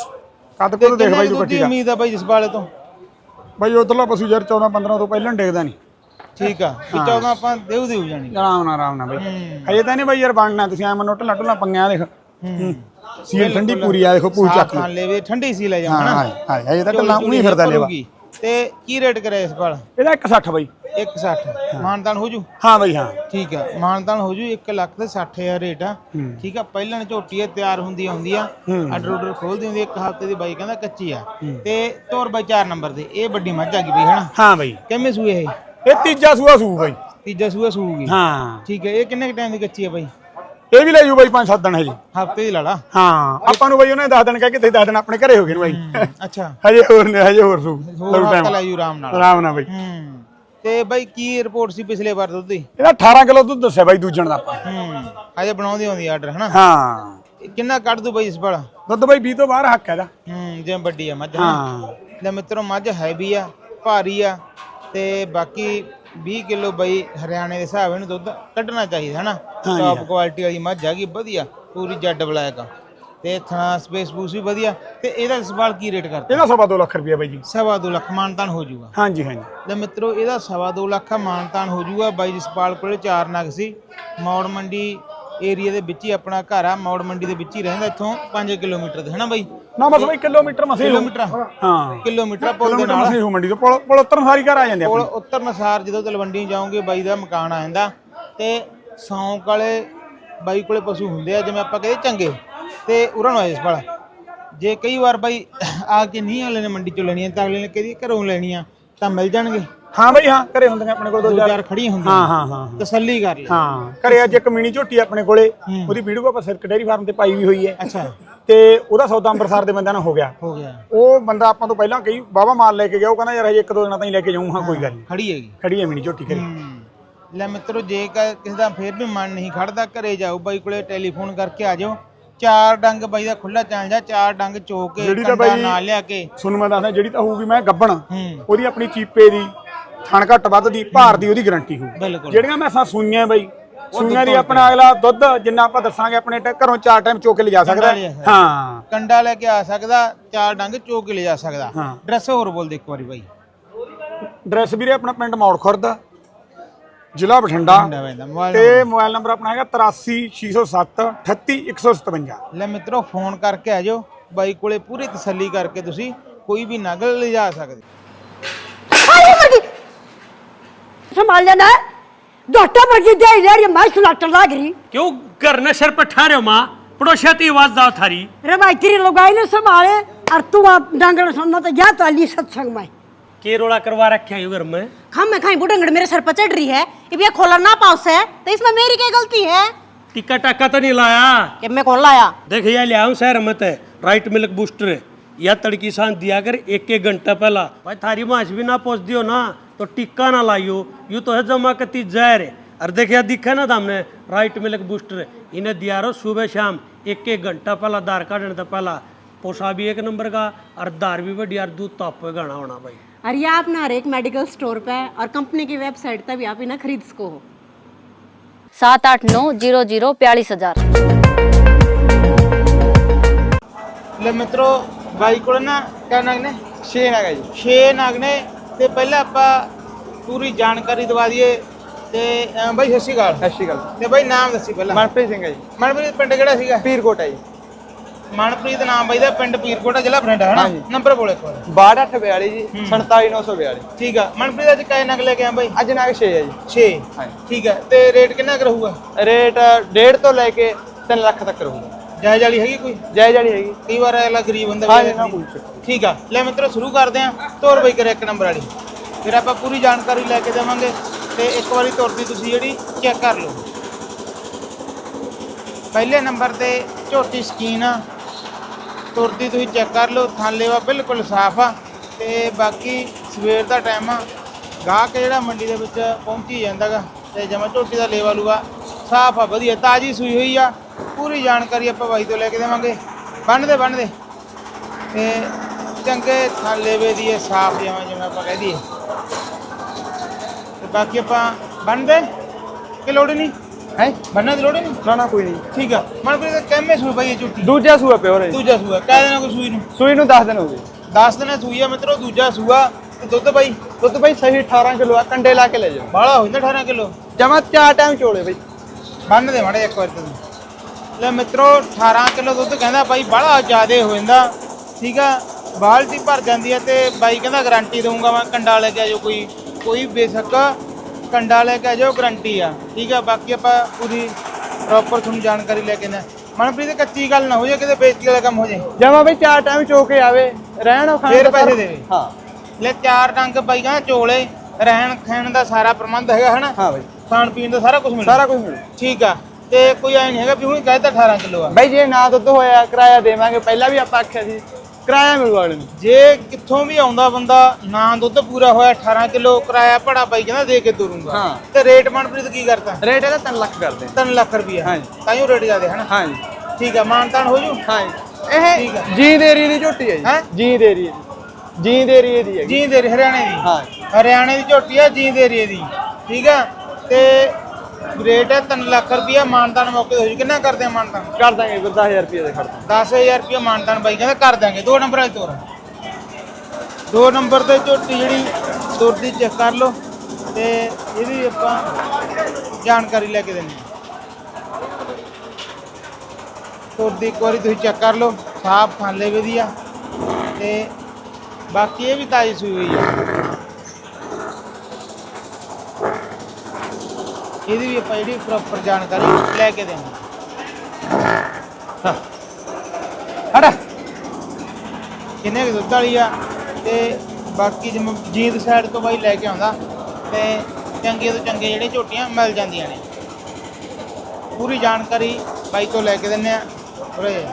S2: ਕੱਦ ਕੋਲ ਦੇਖ ਬਾਈ ਤੂੰ
S1: ਦੁੱਧ
S2: ਕੱਟੀ
S1: ਦੀ
S2: ਦਾ।
S1: ਉਮੀਦ ਆ ਬਾਈ ਜਿਸ ਵਾਲੇ ਤੋਂ?
S2: ਬਾਈ ਉਧਰਲਾ ਪਸ਼ੂ ਯਾਰ ਚੌਦਾਂ ਪੰਦਰਾਂ ਤੋਂ ਪਹਿਲਾਂ ਡੇਗਦਾ ਨਹੀਂ।
S1: ਠੀਕ ਆ ਵੀ ਚੌਦਾਂ ਆਪਾਂ ਦੇਉ ਦੇਉ ਜਾਣੀ।
S2: ਆਰਾਮ ਨਾਲ ਆਰਾਮ ਨਾਲ ਬਾਈ।
S1: ਹੂੰ।
S2: ਹਜੇ ਤਾਂ ਨਹੀਂ ਬਾਈ ਯਾਰ ਬਣਨਾ। ਤੁਸੀਂ ਐ ਮਨੋ ਢੱਲਾ ਢੁੱਲਾ ਪੰਗਿਆ ਦੇਖ।
S1: ਹੂੰ।
S2: ਸੀਲ ਠੰਡੀ ਪੂਰੀ ਆ ਦੇਖੋ ਪੂਰੀ ਚੱਕ
S1: ਖਾਣ ਲੇਵੇ ਠੰਡੀ ਸੀ ਲੈ
S2: ਹਾਂ
S1: ਜਾਣਾ।
S2: ਹਾਂ ਹਾਂ ਹਜੇ ਤਾਂ ਢੱਲਾ ਉਹੀ ਫਿਰਦਾ ਲੇਵਾ।
S1: ਤੇ ਕੀ ਰੇਟ ਕਰਿਆ ਇਸ ਵਾਲ?
S2: ਇਹਦਾ ਇੱਕ ਸੱਠ ਬਾਈ।
S1: ਇੱਕ ਸੱਠ? ਮਾਨਤਾਨ ਹੋ ਜੂ?
S2: ਹਾਂ ਬਾਈ ਹਾਂ।
S1: ਠੀਕ ਆ ਮਾਨਤਾਨ ਹੋ ਜੂ। ਇੱਕ ਲੱਖ ਤੇ ਸੱਠ ਹਜ਼ਾਰ ਰੇਟ ਆ। ਠੀਕ ਆ। ਪਹਿਲਾਂ ਝੋਟੀ ਆ ਤਿਆਰ ਹੁੰਦੀ ਆਉਂਦੀ ਆ, ਆਰਡਰ ਆਰਡਰ ਖੋਲਦੀ ਹੁੰਦੀ। ਇੱਕ ਹਫ਼ਤੇ ਦੀ ਬਾਈ ਕਹਿੰਦਾ ਕੱਚੀ ਆ। ਤੇ ਤੋਰ ਬਾਈ ਚਾਰ ਨੰਬਰ ਤੇ ਇਹ ਵੱਡੀ ਮੱਝ ਆ ਗਈ ਬਈ ਹਨਾ?
S2: ਹਾਂ ਬਾਈ।
S1: ਕਿੰਨੇ ਸੂਏ ਇਹ?
S2: ਇਹ ਤੀਜਾ ਸੂਆ ਸੂ ਬਾਈ।
S1: ਤੀਜਾ ਸੂਆ ਸੂਗੀ?
S2: ਹਾਂ।
S1: ਠੀਕ ਹੈ। ਇਹ ਕਿੰਨੇ ਟਾਈਮ ਦੀ ਕੱਚੀ ਆ ਬਾਈ?
S2: ਇਹ ਵੀ ਲੈ ਜੂ ਬਾਈ ਪੰਜ ਸੱਤ ਦਿਨ ਹਜੇ।
S1: ਹਫ਼ਤੇ ਦੀ ਲਾਲਾ?
S2: ਹਾਂ। ਆਪਾਂ ਨੂੰ ਬਾਈ ਉਹਨੇ ਦਸ ਦਿਨ ਕਹਿ ਕੇ ਤੇ ਦਸ ਦਿਨ ਆਪਣੇ ਘਰੇ ਹੋ ਗਏ ਨੇ ਬਾਈ।
S1: ਅੱਛਾ।
S2: ਹਜੇ ਹੋਰ ਨੇ ਹਜੇ ਹੋਰ ਸੂ
S1: ਹੋਰ ਹਫ਼ਤਾ ਲੈ ਜੂ ਆਰਾਮ ਨਾਲ।
S2: ਆਰਾਮ ਨਾਲ ਬਾਈ।
S1: ਹੂੰ। ਤੇ ਬਾਈ ਕੀ ਰਿਪੋਰਟ ਸੀ ਪਿਛਲੇ ਵਾਰ ਦੁੱਧ ਦੀ?
S2: ਇਹਦਾ ਅਠਾਰਾਂ ਕਿਲੋ ਦੁੱਧ ਦੱਸਿਆ ਬਾਈ ਦੂਜਣ ਦਾ ਆਪਾਂ।
S1: ਹੂੰ। ਅਜੇ ਬਣਾਉਂਦੀ ਆਉਂਦੀ ਆਰਡਰ ਹਨਾ?
S2: ਹਾਂ।
S1: ਕਿੰਨਾ ਕੱਢ ਦੂ ਬਾਈ ਇਸ ਵਾਲਾ?
S2: ਦੁੱਧ ਬਾਈ ਵੀਹ ਤੋਂ ਬਾਹਰ ਹੱਕ ਹੈ ਇਹਦਾ।
S1: ਹੂੰ। ਜਿਵੇਂ ਵੱਡੀ ਆ ਮੱਝ।
S2: ਹਾਂ।
S1: ਲੈ ਮਿੱਤਰੋ ਮੱਝ ਹੈਵੀ ਆ, ਭਾਰੀ ਆ ਤੇ ਬਾਕੀ ਵੀਹ ਕਿਲੋ ਬਾਈ ਹਰਿਆਣੇ ਦੇ ਹਿਸਾਬ ਇਹਨੂੰ ਦੁੱਧ ਕੱਢਣਾ ਚਾਹੀਦਾ ਹਨਾ? ਟੌਪ ਕੁਆਲਿਟੀ ਵਾਲੀ ਮੱਝ ਹੈਗੀ ਵਧੀਆ ਪੂਰੀ ਜੱਡ ਬਲੈਕ ਆ ਤੇ ਥਣਾ ਸਪੇਸ ਪੂਸ ਵੀ ਵਧੀਆ। ਤੇ ਇਹਦਾ ਸਵਾਲ ਕੀ ਰੇਟ ਕਰਦਾ?
S2: ਇਹਦਾ ਸਵਾ ਦੋ ਲੱਖ ਰੁਪਇਆ ਬਾਈ ਜੀ।
S1: ਸਵਾ ਦੋ ਲੱਖ ਮਾਨਤਾਨ ਹੋ ਜਾਊਗਾ?
S2: ਹਾਂਜੀ ਹਾਂਜੀ।
S1: ਲੈ ਮਿੱਤਰੋ ਇਹਦਾ ਸਵਾ ਦੋ ਲੱਖ ਆ ਮਾਨਤਾਨ ਹੋ ਜਾਊਗਾ। ਬਾਈ ਜਸਪਾਲ ਕੋਲੇ ਚਾਰ ਨਗ ਸੀ। ਮੌੜ ਮੰਡੀ ਏਰੀਆ ਦੇ ਵਿੱਚ ਹੀ ਆਪਣਾ ਘਰ ਆ। ਮੌੜ ਮੰਡੀ ਦੇ ਵਿੱਚ ਹੀ ਰਹਿੰਦਾ। ਇੱਥੋਂ ਪੰਜ ਕਿਲੋਮੀਟਰ ਤੇ ਹਨਾ ਬਾਈ?
S2: ਨਾ ਬਸ ਬਾਈ ਕਿਲੋਮੀਟਰ ਮਸੇ
S1: ਕਿਲੋਮੀਟਰ?
S2: ਹਾਂ
S1: ਕਿਲੋਮੀਟਰ ਪੁੱਲ ਦੇ ਨਾਲ
S2: ਮਸੇ ਹੋ ਮੰਡੀ ਤੋਂ ਪੁਲ ਪੁਲ ਉਤਰਨ ਸਾਰੀ ਘਰ ਆ ਜਾਂਦੇ
S1: ਪੁੱਲ
S2: ਆਪਣੇ।
S1: ਉਤਰਨ ਸਾਰ ਜਦੋਂ ਤਲਵੰਡੀ ਜਾਓਗੇ ਬਾਈ ਦਾ ਮਕਾਨ ਆ ਜਾਂਦਾ। ਤੇ ਸੌਂਕ ਵਾਲੇ ਬਾਈ ਕੋਲੇ ਪਸ਼ੂ ਹੁੰਦੇ ਆ ਜਿਵੇਂ ਆਪਾਂ ਕਹਿੰਦੇ ਚੰਗੇ, ਤੇ ਉਹਨਾਂ ਨੂੰ ਆਇਸ ਵਾਲਾ। ਜੇ ਕਈ ਵਾਰ ਬਾਈ ਆ ਕੇ ਨਹੀਂ ਅਗਲੇ ਨੇ ਮੰਡੀ ਚੋਂ ਲੈਣੀਆਂ ਤਾਂ ਅਗਲੇ ਨੇ ਕਹਦੀ ਘਰੋਂ ਲੈਣੀਆਂ ਤਾਂ ਮਿਲ ਜਾਣਗੇ।
S2: ਹਾਂ ਬਾਈ ਹਾਂ ਘਰੇ ਹੁੰਦੀਆਂ ਆਪਣੇ ਕੋਲ ਦੋ
S1: ਦੋ
S2: ਚਾਰ।
S1: ਚਾਰ ਖੜੀਆਂ ਹੁੰਦੀਆਂ।
S2: ਹਾਂ ਹਾਂ ਹਾਂ
S1: ਤਸੱਲੀ ਕਰ ਲੈ।
S2: ਹਾਂ ਘਰੇ ਅੱਜ ਇੱਕ ਮਿਨੀ ਝੋਟੀ ਆਪਣੇ ਕੋਲੇ, ਉਹਦੀ ਵੀਡੀਓ ਆਪਾਂ ਸਿਰਕ ਡੇਅਰੀ ਫਾਰਮ ਤੇ ਪਾਈ ਵੀ ਹੋਈ ਹੈ।
S1: ਅੱਛਾ।
S2: ਤੇ ਉਹਦਾ ਸੌਦਾ ਅੰਮ੍ਰਿਤਸਰ ਦੇ ਬੰਦਿਆਂ ਨਾਲ ਹੋ ਗਿਆ।
S1: ਹੋ ਗਿਆ।
S2: ਉਹ ਬੰਦਾ ਆਪਾਂ ਤੋਂ ਪਹਿਲਾਂ ਕਈ ਵਾਵਾ ਮਾਲ ਲੈ ਕੇ ਗਿਆ। ਉਹ ਕਹਿੰਦਾ ਯਾਰ ਹਜੇ ਇੱਕ ਦੋ ਦਿਨਾਂ ਤਾਈਂ ਲੈ ਕੇ ਜਾਊਂ। ਹਾਂ ਕੋਈ ਗੱਲ ਨਹੀਂ।
S1: ਖੜੀ ਹੈਗੀ?
S2: ਖੜੀ ਹੈ ਮਿਨੀ ਝੋਟੀ ਘਰੇ।
S1: ਲੈ ਮਿੱਤਰੋ ਜੇ ਕਿਸੇ ਦਾ ਫੇਰ ਵੀ ਮਨ ਨਹੀਂ ਖੜਦਾ ਘਰੇ ਜਾਓ ਬਾਈ ਕੋਲੇ ਟੈਲੀਫੋਨ ਕਰਕੇ ਆ ਜਾਓ। ਚਾਰ ਡੰਗ ਬਾਈ ਦਾ ਖੁੱਲਾ ਚੱਲ ਜਾ। ਚਾਰ ਡੰਗ ਚੋ ਕੇ ਕੰਡਾ ਨਾਲ ਲਿਆ ਕੇ
S2: ਸੁਣ ਮੈਂ ਦੱਸਦਾ ਜਿਹੜੀ ਤਾਂ ਹੋਊਗੀ ਮੈਂ ਗੱਬਣ
S1: ਹੂੰ।
S2: ਉਹਦੀ ਆਪਣੀ ਚੀਪੇ ਦੀ ਥਣ ਘੱਟ ਵੱਧ ਦੀ ਭਾਰ ਦੀ ਉਹਦੀ ਗਾਰੰਟੀ ਹੋਊ।
S1: ਬਿਲਕੁਲ।
S2: ਜਿਹੜੀਆਂ ਮੈਸਾਂ ਸੂਈਆਂ ਬਾਈ ਸੂਈਆਂ ਦੀ ਆਪਣਾ ਅਗਲਾ ਦੁੱਧ ਜਿੰਨਾ ਆਪਾਂ ਦੱਸਾਂਗੇ ਆਪਣੇ ਘਰੋਂ ਚਾਰ ਟਾਈਮ ਚੋ ਕੇ ਲਿਜਾ ਸਕਦਾ। ਹਾਂ
S1: ਕੰਡਾ ਲੈ ਕੇ ਆ ਸਕਦਾ। ਚਾਰ ਡੰਗ ਚੋ ਕੇ ਲਿਜਾ ਸਕਦਾ।
S2: ਹਾਂ।
S1: ਡਰੈਸ ਹੋਰ ਬੋਲ ਦੇ ਇੱਕ ਵਾਰੀ ਬਾਈ।
S2: ਡਰੈਸ ਵੀਰੇ ਆਪਣਾ ਪਿੰਡ ਮੌੜ ਖੁਰਦ ਜ਼ਿਲ੍ਹਾ ਬਠਿੰਡਾ ਤੇ ਮੋਬਾਈਲ ਨੰਬਰ ਆਪਣਾ ਹੈਗਾ ਤਰਾਸੀ ਛੇ ਸੌ ਸੱਤ ਅਠੱਤੀ ਇੱਕ ਸੌ ਸਤਵੰਜਾ।
S1: ਲੈ ਮਿੱਤਰੋ ਫੋਨ ਕਰਕੇ ਆ ਜਾਓ ਬਾਈ ਕੋਲੇ ਪੂਰੀ ਤਸੱਲੀ ਕਰਕੇ ਤੁਸੀਂ ਕੋਈ ਵੀ ਨਗਲ ਲਿਜਾ ਸਕਦੇ।
S5: संभाल लेना है डॉक्टर वर्गी दे रही मैं सुलाटर लाग रही
S6: क्यों घर ने सर पर ठहरे माँ पड़ोसिया ती आवाज दाव थारी
S5: रे भाई तेरी लगाई ने संभाले और तू आप डांगड़ सुनना तो जा तो अली सत्संग में
S6: के रोड़ा करवा रखे हैं घर में।
S7: हम मैं खाई बुढ़ंगड़ मेरे सर पर चढ़ रही है ये भैया खोला ना पाउस है तो इसमें मेरी क्या गलती है?
S6: टिक्का टक्का तो नहीं लाया
S7: कि मैं कौन लाया?
S6: देख ये लिया हूँ शहर मत है राइट मिल्क बूस्टर या तड़की सांस दिया कर एक एक घंटा पहला। भाई थारी मांस भी ना पहुंच दियो ना तो टिक्का ना लाइयो, यूं तो है जमा कती जहर है। और देखिए दिखा ना हमने राइट मिल्क बूस्टर इन्हें दिया रो सुबह शाम एक एक घंटा पहला दार काटने तो पहला। पोसा भी एक नंबर का और दार भी बढ़िया और दूध तो आपको गाना होना भाई।
S7: और ये आप ना हर एक मेडिकल स्टोर पे और कंपनी की वेबसाइट पे भी आप इन्हें खरीद सको हो।
S8: सात आठ नौ जीरो जीरो बयालीस हजार।
S1: ਲੈ ਮਿੱਤਰੋ ਬਾਈ ਕੋਲ ਨਾ ਕਿਆ ਨਗ ਨੇ
S2: ਛੇ ਨਗ ਹੈ ਜੀ।
S1: ਛੇ ਨਗ ਨੇ ਤੇ ਪਹਿਲਾਂ ਆਪਾਂ ਪੂਰੀ ਜਾਣਕਾਰੀ ਦਵਾ ਦਈਏ ਤੇ ਅਹ ਬਾਈ ਸਤਿ ਸ਼੍ਰੀ ਅਕਾਲ।
S2: ਸਤਿ ਸ਼੍ਰੀ ਅਕਾਲ।
S1: ਤੇ ਬਾਈ ਨਾਮ ਦੱਸੀ ਪਹਿਲਾਂ।
S2: ਮਨਪ੍ਰੀਤ ਸਿੰਘ ਹੈ ਜੀ।
S1: ਮਨਪ੍ਰੀਤ ਪਿੰਡ ਕਿਹੜਾ ਸੀਗਾ?
S2: ਪੀਰਕੋਟ ਹੈ ਜੀ।
S1: ਮਨਪ੍ਰੀਤ ਨਾਮ ਬਾਈ ਦਾ, ਪਿੰਡ ਪੀਰਕੋਟ ਜ਼ਿਲ੍ਹਾ ਬਠਿੰਡਾ ਹੈ ਨਾ? ਨੰਬਰ ਬੋਲੇ ਕੋਲ
S2: ਬਾਹਠ ਅੱਠ ਬਿਆਲੀ ਜੀ ਸੰਤਾਲੀ ਨੌ ਸੌ ਬਿਆਲੀ।
S1: ਠੀਕ ਆ ਮਨਪ੍ਰੀਤ, ਅੱਜ ਕਾਏ ਨਗ ਲੈ ਕੇ ਆ ਬਾਈ?
S2: ਅੱਜ ਨਗ ਛੇ ਹੈ ਜੀ।
S1: ਛੇ
S2: ਹਾਂਜੀ।
S1: ਠੀਕ ਆ ਤੇ ਰੇਟ ਕਿੰਨਾ ਕੁ ਰਹੂਗਾ?
S2: ਰੇਟ ਡੇਢ ਤੋਂ ਲੈ ਕੇ ਤਿੰਨ ਲੱਖ ਤੱਕ ਰਹੂਗਾ।
S1: ਜਾਇਜ਼ ਵਾਲੀ ਹੈਗੀ ਕੋਈ?
S2: ਜਾਇਜ਼ ਵਾਲੀ ਹੈਗੀ।
S1: ਕਈ ਵਾਰ ਅਗਲਾ ਗਰੀਬ ਹੁੰਦਾ
S2: ਹਾਂ
S1: ਵੀ
S2: ਜੀ, ਨਾ ਕੋਈ ਚੱਕਰ।
S1: ਠੀਕ ਆ ਲੈ ਮਿੱਤਰੋ ਸ਼ੁਰੂ ਕਰਦੇ ਆਂ। ਤੋਰ ਬਾਈ ਕਰੇ ਇੱਕ ਨੰਬਰ ਵਾਲੀ, ਫਿਰ ਆਪਾਂ ਪੂਰੀ ਜਾਣਕਾਰੀ ਲੈ ਕੇ ਦੇਵਾਂਗੇ ਤੇ ਇੱਕ ਵਾਰੀ ਤੁਰਦੀ ਤੁਸੀਂ ਜਿਹੜੀ ਚੈੱਕ ਕਰ ਲਓ। ਪਹਿਲੇ ਨੰਬਰ ਤੇ ਝੋਟੀ ਸਕੀਨ ਆ, ਤੁਰਦੀ ਤੁਸੀਂ ਚੈੱਕ ਕਰ ਲਓ। ਥਾਲੇ ਵਾ ਬਿਲਕੁਲ ਸਾਫ਼ ਆ ਤੇ ਬਾਕੀ ਸਵੇਰ ਦਾ ਟਾਈਮ ਆ, ਗਾਹਕ ਜਿਹੜਾ ਮੰਡੀ ਦੇ ਵਿੱਚ ਪਹੁੰਚੀ ਜਾਂਦਾ ਗਾ ਤੇ ਜਮਾ ਝੋਟੀ ਦਾ ਲੇਵਾ ਲੂਗਾ ਸਾਫ਼ ਆ, ਵਧੀਆ ਤਾਜ਼ੀ ਸੂਈ ਹੋਈ ਆ। ਪੂਰੀ ਜਾਣਕਾਰੀ ਆਪਾਂ ਬਾਈ ਤੋਂ ਲੈ ਕੇ ਦੇਵਾਂਗੇ। ਬੰਨਦੇ ਬੰਨਦੇ ਤੇ ਚੰਗੇ ਥਾਲੇਵੇ ਦੀ ਇਹ ਸਾਫ਼ ਜਿਵੇਂ ਜਿਵੇਂ ਆਪਾਂ ਕਹਿ ਦਈਏ ਤੇ ਬਾਕੀ ਆਪਾਂ ਬੰਨਦੇ ਕਿ ਲੋੜ ਨਹੀਂ
S2: ਹੈ
S1: ਬੰਨਣ ਦੀ ਲੋੜ ਨਹੀਂ।
S2: ਨਾ ਨਾ ਕੋਈ ਨਹੀਂ।
S1: ਠੀਕ ਆ ਮਨਪ੍ਰੀਤ, ਕਿੰਨੇ ਸੂਈ ਬਾਈ ਇਹ ਝੋਟੀ?
S2: ਦੂਜਾ ਸੂਆ ਪਿਓਰ ਹੈ ਜੀ।
S1: ਦੂਜਾ ਸੂਆ ਕਹਿ ਦੇਣਾ ਕੋਈ ਸੂਈ ਨੂੰ?
S2: ਸੂਈ ਨੂੰ ਦਸ ਦਿਨ ਹੋ ਗਏ।
S1: ਦਸ ਦਿਨਾਂ ਸੂਈ ਆ ਮਿੱਤਰੋ, ਦੂਜਾ ਸੂਆ ਤੇ ਦੁੱਧ ਬਾਈ?
S2: ਦੁੱਧ ਬਾਈ ਸਹੀ ਅਠਾਰਾਂ ਕਿਲੋ ਆ, ਕੰਡੇ ਲਾ ਕੇ ਲੈ ਜਾਓ।
S1: ਬਾਹਲਾ ਹੋ ਜਾਂਦਾ ਅਠਾਰਾਂ ਕਿਲੋ।
S2: ਜਮਾ ਚਾਰ ਟਾਈਮ ਚੋਲੇ ਬਾਈ।
S1: ਬੰਨ ਦੇ ਮਾੜੇ ਇੱਕ ਵਾਰ ਤੁਸੀਂ। ਲੈ ਮਿੱਤਰੋ ਅਠਾਰਾਂ ਕਿਲੋ ਦੁੱਧ ਕਹਿੰਦਾ ਬਾਈ, ਬਾਹਲਾ ਜ਼ਿਆਦੇ ਹੋ ਜਾਂਦਾ। ਠੀਕ ਆ ਬਾਲਟੀ ਭਰ ਜਾਂਦੀ ਹੈ ਤੇ ਬਾਈ ਕਹਿੰਦਾ ਗਾਰੰਟੀ ਦਊਂਗਾ ਮੈਂ, ਕੰਡਾ ਲੈ ਕੇ ਆ ਜਾਓ, ਕੋਈ ਕੋਈ ਬੇਸ਼ੱਕ ਕੰਡਾ ਲੈ ਕੇ ਆ ਜਾਓ, ਗਾਰੰਟੀ ਆ। ਠੀਕ ਆ ਬਾਕੀ ਆਪਾਂ ਪੂਰੀ ਪ੍ਰੋਪਰ ਤੁਹਾਨੂੰ ਜਾਣਕਾਰੀ ਲੈ ਕੇ ਨਾ। ਮਨਪ੍ਰੀਤ ਕੱਚੀ ਗੱਲ ਨਾ ਹੋ ਜਾਏ, ਕਿਤੇ ਬੇਇੱਜ਼ਤੀ ਵਾਲਾ ਕੰਮ ਹੋ ਜਾਏ।
S2: ਜਮਾ ਬਾਈ ਚਾਰ ਟਾਈਮ ਚੋ ਕੇ ਆਵੇ, ਰਹਿਣ ਖਾਣ
S1: ਫੇਰ
S2: ਦਾ
S1: ਪੈਸੇ
S2: ਸਾਰਾ-
S1: ਦੇਵੇ।
S2: ਹਾਂ
S1: ਲੈ ਚਾਰ ਡੰਗ ਬਾਈ ਕਹਿੰਦਾ ਚੋਲੇ, ਰਹਿਣ ਖਾਣ ਦਾ ਸਾਰਾ ਪ੍ਰਬੰਧ ਹੈਗਾ ਹਨਾ?
S2: ਹਾਂ ਬਾਈ
S1: ਖਾਣ ਪੀਣ ਦਾ ਸਾਰਾ ਕੁਝ ਮਿਲਦਾ।
S2: ਸਾਰਾ ਕੁਝ ਮਿਲੂ।
S1: ਠੀਕ ਆ ਤੇ ਕੋਈ ਐ ਨਹੀਂ ਹੈਗਾ ਵੀ ਹੁਣ ਕਹਿੰਦਾ ਅਠਾਰਾਂ ਕਿਲੋ ਆ।
S2: ਬਾਈ ਜੇ ਨਾ ਦੁੱਧ ਹੋਇਆ ਕਿਰਾਇਆ ਦੇਵਾਂਗੇ, ਪਹਿਲਾਂ ਵੀ ਆਪਾਂ ਆਖਿਆ ਸੀ ਕਿਰਾਇਆ ਮਿਲੂ ਅਗਲੇ ਨੂੰ।
S1: ਜੇ ਕਿੱਥੋਂ ਵੀ ਆਉਂਦਾ ਬੰਦਾ ਨਾ ਦੁੱਧ ਪੂਰਾ ਹੋਇਆ ਅਠਾਰਾਂ ਕਿਲੋ ਕਿਰਾਇਆ ਭੜਾ ਬਾਈ ਕਹਿੰਦਾ ਦੇ ਕੇ ਤੁਰੂੰਗਾ।
S2: ਹਾਂ।
S1: ਤੇ ਰੇਟ ਮਨਪ੍ਰੀਤ ਕੀ ਕਰਤਾ?
S2: ਰੇਟ ਇਹਦਾ ਤਿੰਨ ਲੱਖ ਕਰਦੇ।
S1: ਤਿੰਨ ਲੱਖ ਰੁਪਈਆ।
S2: ਹਾਂਜੀ।
S1: ਤਾਈਓ ਰੇਟ ਜ਼ਿਆਦੇ ਹਨਾ?
S2: ਹਾਂਜੀ
S1: ਠੀਕ ਆ ਮਾਨਤਾਨ ਹੋ ਜੂ?
S2: ਹਾਂਜੀ।
S1: ਠੀਕ ਆ।
S2: ਇਹ ਜੀਂਦ ਏਰੀਏ ਦੀ ਝੋਟੀ ਹੈ ਜੀ।
S1: ਹੈਂ?
S2: ਜੀਂਦ ਏਰੀਏ ਦੀ। ਜੀਂਦ ਏਰੀਏ ਦੀ ਹੈ।
S1: ਜੀਂਦ ਏਰੀਏ ਹਰਿਆਣੇ ਦੀ?
S2: ਹਾਂ।
S1: ਹਰਿਆਣੇ ਦੀ ਝੋਟੀ ਆ, ਜੀਂਦ ਏਰੀਏ ਦੀ। ਠੀਕ ਆ ਤੇ ਰੇਟ ਹੈ ਤਿੰਨ ਲੱਖ ਰੁਪਈਆ। ਮਾਨਤਾਨ ਮੌਕੇ ਹੋ ਜੂ। ਕਿੰਨਾ ਕਰਦੇ ਆ ਮਾਨਤਾਨ?
S2: ਕਰ ਦਾਂਗੇ ਦਸ ਹਜ਼ਾਰ ਰੁਪਏ ਦੇ ਖਰਚ।
S1: ਦਸ ਹਜ਼ਾਰ ਰੁਪਈਆ ਮਾਨਤਾਨ ਬਾਈ ਕਹਿੰਦਾ ਕਰ ਦਾਂਗੇ। ਦੋ ਨੰਬਰ ਵਾਲੀ ਤੋਰ, ਦੋ ਨੰਬਰ ਤੇ ਝੋਟੀ ਜਿਹੜੀ ਤੁਰਦੀ ਚੈੱਕ ਕਰ ਲਓ ਤੇ ਇਹਦੀ ਆਪਾਂ ਜਾਣਕਾਰੀ ਲੈ ਕੇ ਦਿੰਦੇ ਹਾਂ। ਤੁਰਦੀ ਇੱਕ ਵਾਰੀ ਤੁਸੀਂ ਚੈੱਕ ਕਰ ਲਓ, ਸਾਫ ਥਾਲੇ ਵਧੀਆ ਤੇ ਬਾਕੀ ਇਹ ਵੀ ਤਾਜ਼ੀ ਸੂਈ ਹੋਈ ਆ। ਇਹਦੀ ਵੀ ਆਪਾਂ ਜਿਹੜੀ ਪ੍ਰੋਪਰ ਜਾਣਕਾਰੀ ਲੈ ਕੇ ਦੇਵਾਂਗੇ।
S2: ਹਟ
S1: ਕਿੰਨੇ ਕੁ ਦੁੱਧ ਵਾਲੀ ਆ ਤੇ ਬਾਕੀ ਜਿਵੇਂ ਜੀਂਦ ਸਾਈਡ ਤੋਂ ਬਾਈ ਲੈ ਕੇ ਆਉਂਦਾ ਤੇ ਚੰਗੇ ਤੋਂ ਚੰਗੇ ਜਿਹੜੇ ਝੋਟੀਆਂ ਮਿਲ ਜਾਂਦੀਆਂ ਨੇ। ਪੂਰੀ ਜਾਣਕਾਰੀ ਬਾਈ ਤੋਂ ਲੈ ਕੇ ਦਿੰਦੇ ਆ। ਉਰੇ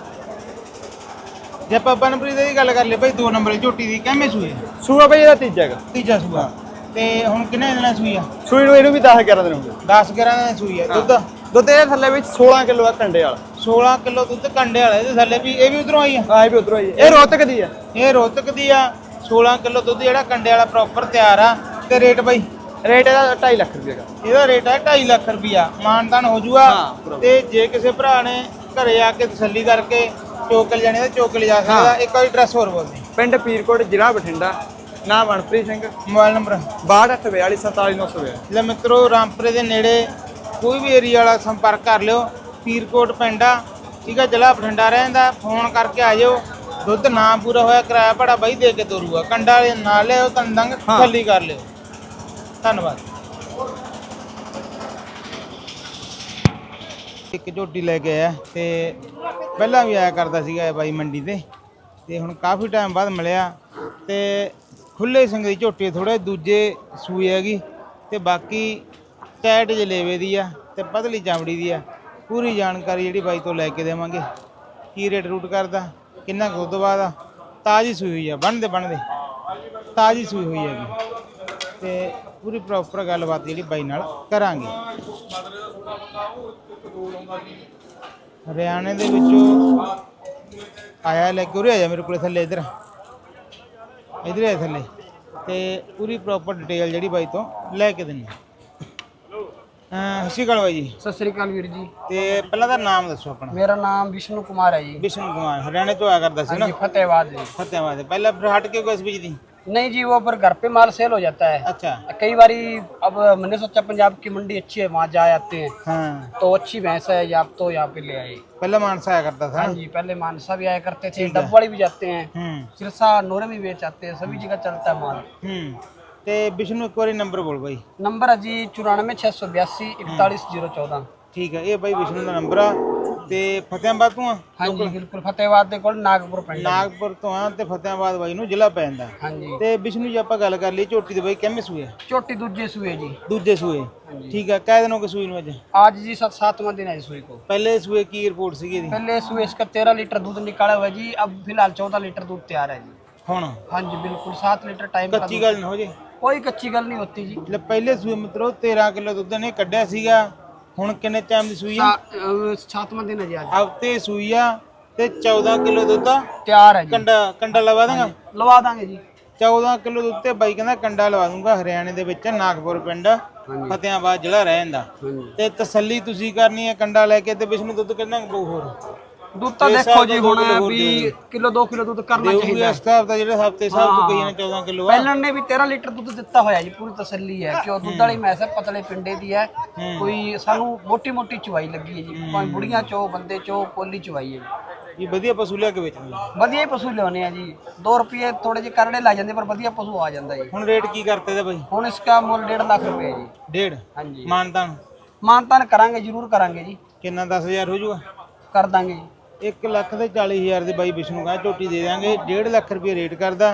S1: ਜੇ ਆਪਾਂ ਬਨਪ੍ਰੀਤ ਦੀ ਗੱਲ ਕਰ ਲਈ ਬਾਈ, ਦੋ ਨੰਬਰ ਦੀ ਝੋਟੀ ਦੀ ਕਿੰਨੇ ਸੂਏ?
S2: ਸੂਆ ਬਾਈ ਇਹਦਾ ਤੀਜਾ ਹੈਗਾ।
S1: ਤੀਜਾ ਸੂਆ ਤੇ ਹੁਣ ਕਿੰਨੇ ਦਿਨਾਂ ਸੂਈ ਆ?
S2: ਸੂਈ ਨੂੰ ਇਹਨੂੰ ਵੀ ਦਸ ਗਿਆਰਾਂ ਦਿਨ ਹੋ ਗਏ।
S1: ਦਸ ਗਿਆਰਾਂ ਦਿਨਾਂ ਸੂਈ ਆ। ਦੁੱਧ
S2: ਦੁੱਧ ਇਹਦੇ ਥੱਲੇ ਵਿੱਚ ਸੋਲਾਂ ਕਿਲੋ ਆ ਕੰਡੇ ਵਾਲਾ।
S1: ਸੋਲਾਂ ਕਿਲੋ ਦੁੱਧ ਕੰਡੇ ਵਾਲਾ। ਇਹਦੇ ਥੱਲੇ ਵੀ ਇਹ ਵੀ ਉਧਰੋਂ ਆਈ ਆ?
S2: ਹਾਂ ਇਹ ਵੀ ਉਧਰੋਂ ਆਈ ਹੈ। ਇਹ ਰੋਹਤਕ ਦੀ ਆ।
S1: ਇਹ ਰੋਹਤਕ ਦੀ ਆ। ਸੋਲਾਂ ਕਿਲੋ ਦੁੱਧ ਜਿਹੜਾ ਕੰਡੇ ਵਾਲਾ ਪ੍ਰੋਪਰ ਤਿਆਰ ਆ। ਤੇ ਰੇਟ ਬਾਈ?
S2: ਰੇਟ ਇਹਦਾ ਢਾਈ ਲੱਖ ਰੁਪਏ ਦਾ।
S1: ਇਹਦਾ ਰੇਟ ਹੈ ਢਾਈ ਲੱਖ ਰੁਪਈਆ। ਮਾਨਤਾਨ ਹੋ ਜੂਗਾ। ਤੇ ਜੇ ਕਿਸੇ ਭਰਾ ਨੇ ਘਰੇ ਆ ਕੇ ਤਸੱਲੀ ਕਰਕੇ ਚੋਕਲ ਜਾਣੇ ਤਾਂ ਚੋਕਲ ਜਾ ਸਕਦਾ। ਇੱਕ ਵਾਰੀ ਐਡਰੈਸ ਹੋਰ ਬੋਲਦੇ।
S2: ਪਿੰਡ ਪੀਰਕੋਟ, ਜ਼ਿਲ੍ਹਾ ਬਠਿੰਡਾ, ਨਾਮ ਮਨਪ੍ਰੀਤ ਸਿੰਘ,
S1: ਮੋਬਾਈਲ ਨੰਬਰ
S2: ਬਾਹਠ ਅੱਠ ਬਿਆਲੀ ਸੰਤਾਲੀ ਨੌ ਸੌ ਬਿਆਲੀ।
S1: ਲੈ ਮਿੱਤਰੋ ਰਾਮਪੁਰੇ ਦੇ ਨੇੜੇ ਕੋਈ ਵੀ ਏਰੀਆ ਵਾਲਾ ਸੰਪਰਕ ਕਰ ਲਿਓ। ਪੀਰਕੋਟ ਪਿੰਡ ਆ, ਠੀਕ ਆ, ਜ਼ਿਲ੍ਹਾ ਬਠਿੰਡਾ ਰਹਿੰਦਾ। ਫੋਨ ਕਰਕੇ ਆ ਜਾਓ। ਦੁੱਧ ਨਾ ਪੂਰਾ ਹੋਇਆ ਕਿਰਾਇਆ ਭਾੜਾ ਬਾਈ ਦੇ ਕੇ ਤੋਰੂਗਾ। ਕੰਡਾ ਵਾਲੇ ਨਾਲ ਲਿਓ, ਤੰਦੰਗ ਤਸੱਲੀ ਕਰ ਲਿਓ। ਧੰਨਵਾਦ। ਇੱਕ ਝੋਟੀ ਲੈ ਕੇ ਆਇਆ ਤੇ ਪਹਿਲਾਂ ਵੀ ਆਇਆ ਕਰਦਾ ਸੀਗਾ ਇਹ ਬਾਈ ਮੰਡੀ ਤੇ ਤੇ ਹੁਣ ਕਾਫੀ ਟਾਈਮ ਬਾਅਦ ਮਿਲਿਆ ਤੇ ਖੁੱਲੇ ਸਿੰਘ ਦੀ ਝੋਟੀ ਥੋੜੇ ਦੂਜੇ ਸੂਈ ਹੈਗੀ ਤੇ ਬਾਕੀ ਟੈਟ ਜਲੇਵੇ ਦੀ ਆ ਤੇ ਪਤਲੀ ਚਾਮੜੀ ਦੀ ਆ। ਪੂਰੀ ਜਾਣਕਾਰੀ ਜਿਹੜੀ ਬਾਈ ਤੋਂ ਲੈ ਕੇ ਦੇਵਾਂਗੇ। ਕੀ ਰੇਟ ਰੂਟ ਕਰਦਾ, ਕਿੰਨਾ ਕੁ ਦੁੱਧ ਬਾਅਦ ਆ, ਤਾਜੀ ਸੂਈ ਹੋਈ ਆ, ਬਣਦੇ ਬਣਦੇ ਤਾਜੀ ਸੂਈ ਹੋਈ ਹੈਗੀ ਤੇ ਪੂਰੀ ਪ੍ਰੋਪਰ ਗੱਲਬਾਤ ਜਿਹੜੀ ਬਾਈ ਨਾਲ ਕਰਾਂਗੇ। ਹਰਿਆਣੇ ਦੇ ਵਿੱਚੋਂ ਆਇਆ ਲੈ ਕੇ ਉਰੇ ਆ ਜਾ ਮੇਰੇ ਕੋਲੇ ਥੱਲੇ ਇੱਧਰ ਇੱਧਰ ਆ ਥੱਲੇ ਤੇ ਪੂਰੀ ਪ੍ਰੋਪਰ ਡਿਟੇਲ ਜਿਹੜੀ ਬਾਈ ਤੋਂ ਲੈ ਕੇ ਦਿੰਨੀ। ਸਤਿ ਸ਼੍ਰੀ ਅਕਾਲ ਬਾਈ ਜੀ।
S9: ਸਤਿ ਸ੍ਰੀ ਅਕਾਲ ਵੀਰ ਜੀ।
S1: ਤੇ ਪਹਿਲਾਂ ਦਾ ਨਾਮ ਦੱਸੋ ਆਪਣਾ।
S9: ਮੇਰਾ ਨਾਮ ਵਿਸ਼ਨੂੰ ਕੁਮਾਰ ਹੈ ਜੀ।
S1: ਵਿਸ਼ਨੂੰ ਕੁਮਾਰ ਹਰਿਆਣੇ ਤੋਂ ਆਇਆ करता ਸੀ ना?
S9: फतेहाबाद जी।
S1: फतेहाबाद पहले फिर हट के किस बीज दी?
S9: नहीं जी, वो पर घर पे माल सेल हो जाता है।
S1: अच्छा।
S9: कई बारी अब मैंने सोचा पंजाब की मंडी अच्छी है, वहाँ जा आते हैं।
S1: हाँ।
S9: तो अच्छी भैंस है या तो यहाँ पे ले आए।
S1: पहले मानसा आया करता था।
S9: हाँ जी, पहले मानसा भी आया करते थे, डबवाड़ी भी जाते हैं,
S1: हम्म
S9: सिरसा नोरे भी बेच आते हैं, सभी जगह चलता है माल।
S1: हम्म ते विष्णु एक बार नंबर बोल भाई।
S9: नंबर है जी चौरानवे छः सौ बयासी इकतालीस जीरो चौदह।
S1: ठीक है, ये भाई विष्णु का नंबर आ ते फतेहाबाद तो आ?
S9: हाँ जी बिल्कुल, फतेहाबाद ਦੇ ਕੋਲ ਨਾਗਪੁਰ ਪਿੰਡ।
S1: ਨਾਗਪੁਰ ਤੋਂ ਆ ਤੇ ਫਤਿਆਬਾਦ ਬਾਈ ਨੂੰ ਜ਼ਿਲ੍ਹਾ ਪੈ ਜਾਂਦਾ।
S9: ਹਾਂਜੀ।
S1: ਤੇ ਵਿਸ਼ਨੂੰ ਜੀ ਆਪਾਂ ਗੱਲ ਕਰ ਲਈ ਝੋਟੀ ਦੇ ਬਾਈ ਕਿੰਨੇ ਸੂਏ?
S9: ਝੋਟੀ ਦੂਜੇ ਸੂਏ ਜੀ।
S1: ਦੂਜੇ ਸੂਏ। ਠੀਕ ਹੈ, ਕਿੰਨੇ ਦਿਨ ਹੋ ਗਏ ਸੂਈ ਨੂੰ ਅੱਜ?
S9: आज जी सात सातवां दिन है इस सूई को।
S1: पहले ਸੂਏ ਕੀ ਰਿਪੋर्ट ਸੀਗੀ ਇਹਦੀ?
S9: पहले सूए इसका तेरह लीटर दूध निकाला हुआ है जी, अब फिलहाल चौदह लीटर दूध तैयार है जी।
S1: ਹੁਣ
S9: हाँ जी बिल्कुल, सात लीटर टाइम का
S1: ਕੱਚੀ
S9: दूध।
S1: ਗੱਲ ਨਾ ਹੋ ਜੇ।
S9: कोई कच्ची गल नहीं होती जी।
S1: ਲੈ ਪਹਿਲੇ ਸੂਏ ਮਿੱਤਰੋ ਤੇਰਾਂ ਕਿਲੋ ਦੁੱਧ ਨੇ ਕੱਢਿਆ ਸੀਗਾ। ਹੁਣ ਕਿੰਨੇ ਟਾਈਮ ਦੀ ਸੂਈ ਆ?
S9: सा- अ, सातवां दिन है जी आज।
S1: ਹਫਤੇ ਸੂਈ ਆ ਤੇ ਚੌਦਾਂ ਕਿਲੋ ਦੁੱਧ ਆ।
S9: तैयार है जी।
S1: ਕੰਡਾ ਕੰਡਾ ਲਵਾ ਦਾਂਗਾ।
S9: लवा देंगे जी।
S1: ਚੌਦਾਂ ਕਿਲੋ ਦੁੱਧ ਤੇ ਬਾਈ ਕਹਿੰਦਾ ਕੰਡਾ ਲਵਾ ਦੂੰਗਾ। ਹਰਿਆਣੇ ਦੇ ਵਿੱਚ ਨਾਗਪੁਰ ਪਿੰਡ ਫਤਿਆਬਾਦ ਜਿਹੜਾ ਰਹਿ ਜਾਂਦਾ। ਤੇ ਤਸੱਲੀ ਤੁਸੀਂ ਕਰਨੀ ਹੈ ਕੰਡਾ ਲੈ ਕੇ। ਤੇ ਵਿਸ਼ਨੂੰ ਦੁੱਧ ਕਿੰਨਾ ਕੁ ਹੋਰ
S9: दूध तो देखो जी होना है भी किलो दो किलो दूध करना
S1: ਦੇਊਗੀ
S9: चाहिए।
S1: ਇਸ ਹਿਸਾਬ ਦਾ ਜਿਹੜਾ ਹਫਤੇ ਹਿਸਾਬ ਤੋਂ ਕਈਆਂ ਨੇ ਚੌਦਾਂ ਕਿਲੋ ਆ।
S9: पहले ने भी तेरह लीटर दूध दिता होया जी, पूरी तसल्ली है क्यों दूध वाली मैस है, पतले पिंडे दी है। कोई सानू मोटी मोटी चुवाई लगी है जी, भावें बुढ़ियां चो बंदे चो कोली चुवाई है जी।
S1: ਇਹ ਵਧੀਆ ਪਸ਼ੂ ਲਿਆ ਕੇ ਵੇਚਣਾ।
S9: ਵਧੀਆ ਹੀ ਪਸ਼ੂ ਲਿਆਉਣੇ ਆ ਜੀ। दो रुपये ਥੋੜੇ ਜਿਹੇ ਕਰੜੇ ਲੱਗ ਜਾਂਦੇ ਪਰ ਵਧੀਆ ਪਸ਼ੂ ਆ ਜਾਂਦਾ ਜੀ।
S1: ਹੁਣ ਰੇਟ ਕੀ ਕਰਤੇ ਤੇ ਬਾਈ?
S9: ਹੁਣ ਇਸਕਾ ਮੁੱਲ डेढ़ ਲੱਖ ਰੁਪਏ ਜੀ।
S1: ਡੇਢ?
S9: ਹਾਂਜੀ।
S1: ਮਾਨਤਾਨ
S9: ਮਾਨਤਾਨ ਕਰਾਂਗੇ, ਜ਼ਰੂਰ ਕਰਾਂਗੇ ਜੀ।
S1: ਕਿੰਨਾ? ਦਸ ਹਜ਼ਾਰ ਹੋ ਜਾਊਗਾ?
S9: ਕਰ ਦਾਂਗੇ ਜੀ।
S1: ਇੱਕ ਲੱਖ ਤੇ ਚਾਲੀ ਹਜ਼ਾਰ ਦੇ ਬਾਈ ਵਿਸ਼ਨੂੰ ਕਾ ਝੋਟੀ ਦੇ ਦਾਂਗੇ। ਡੇਢ ਲੱਖ ਰੁਪਏ ਰੇਟ ਕਰਦਾ।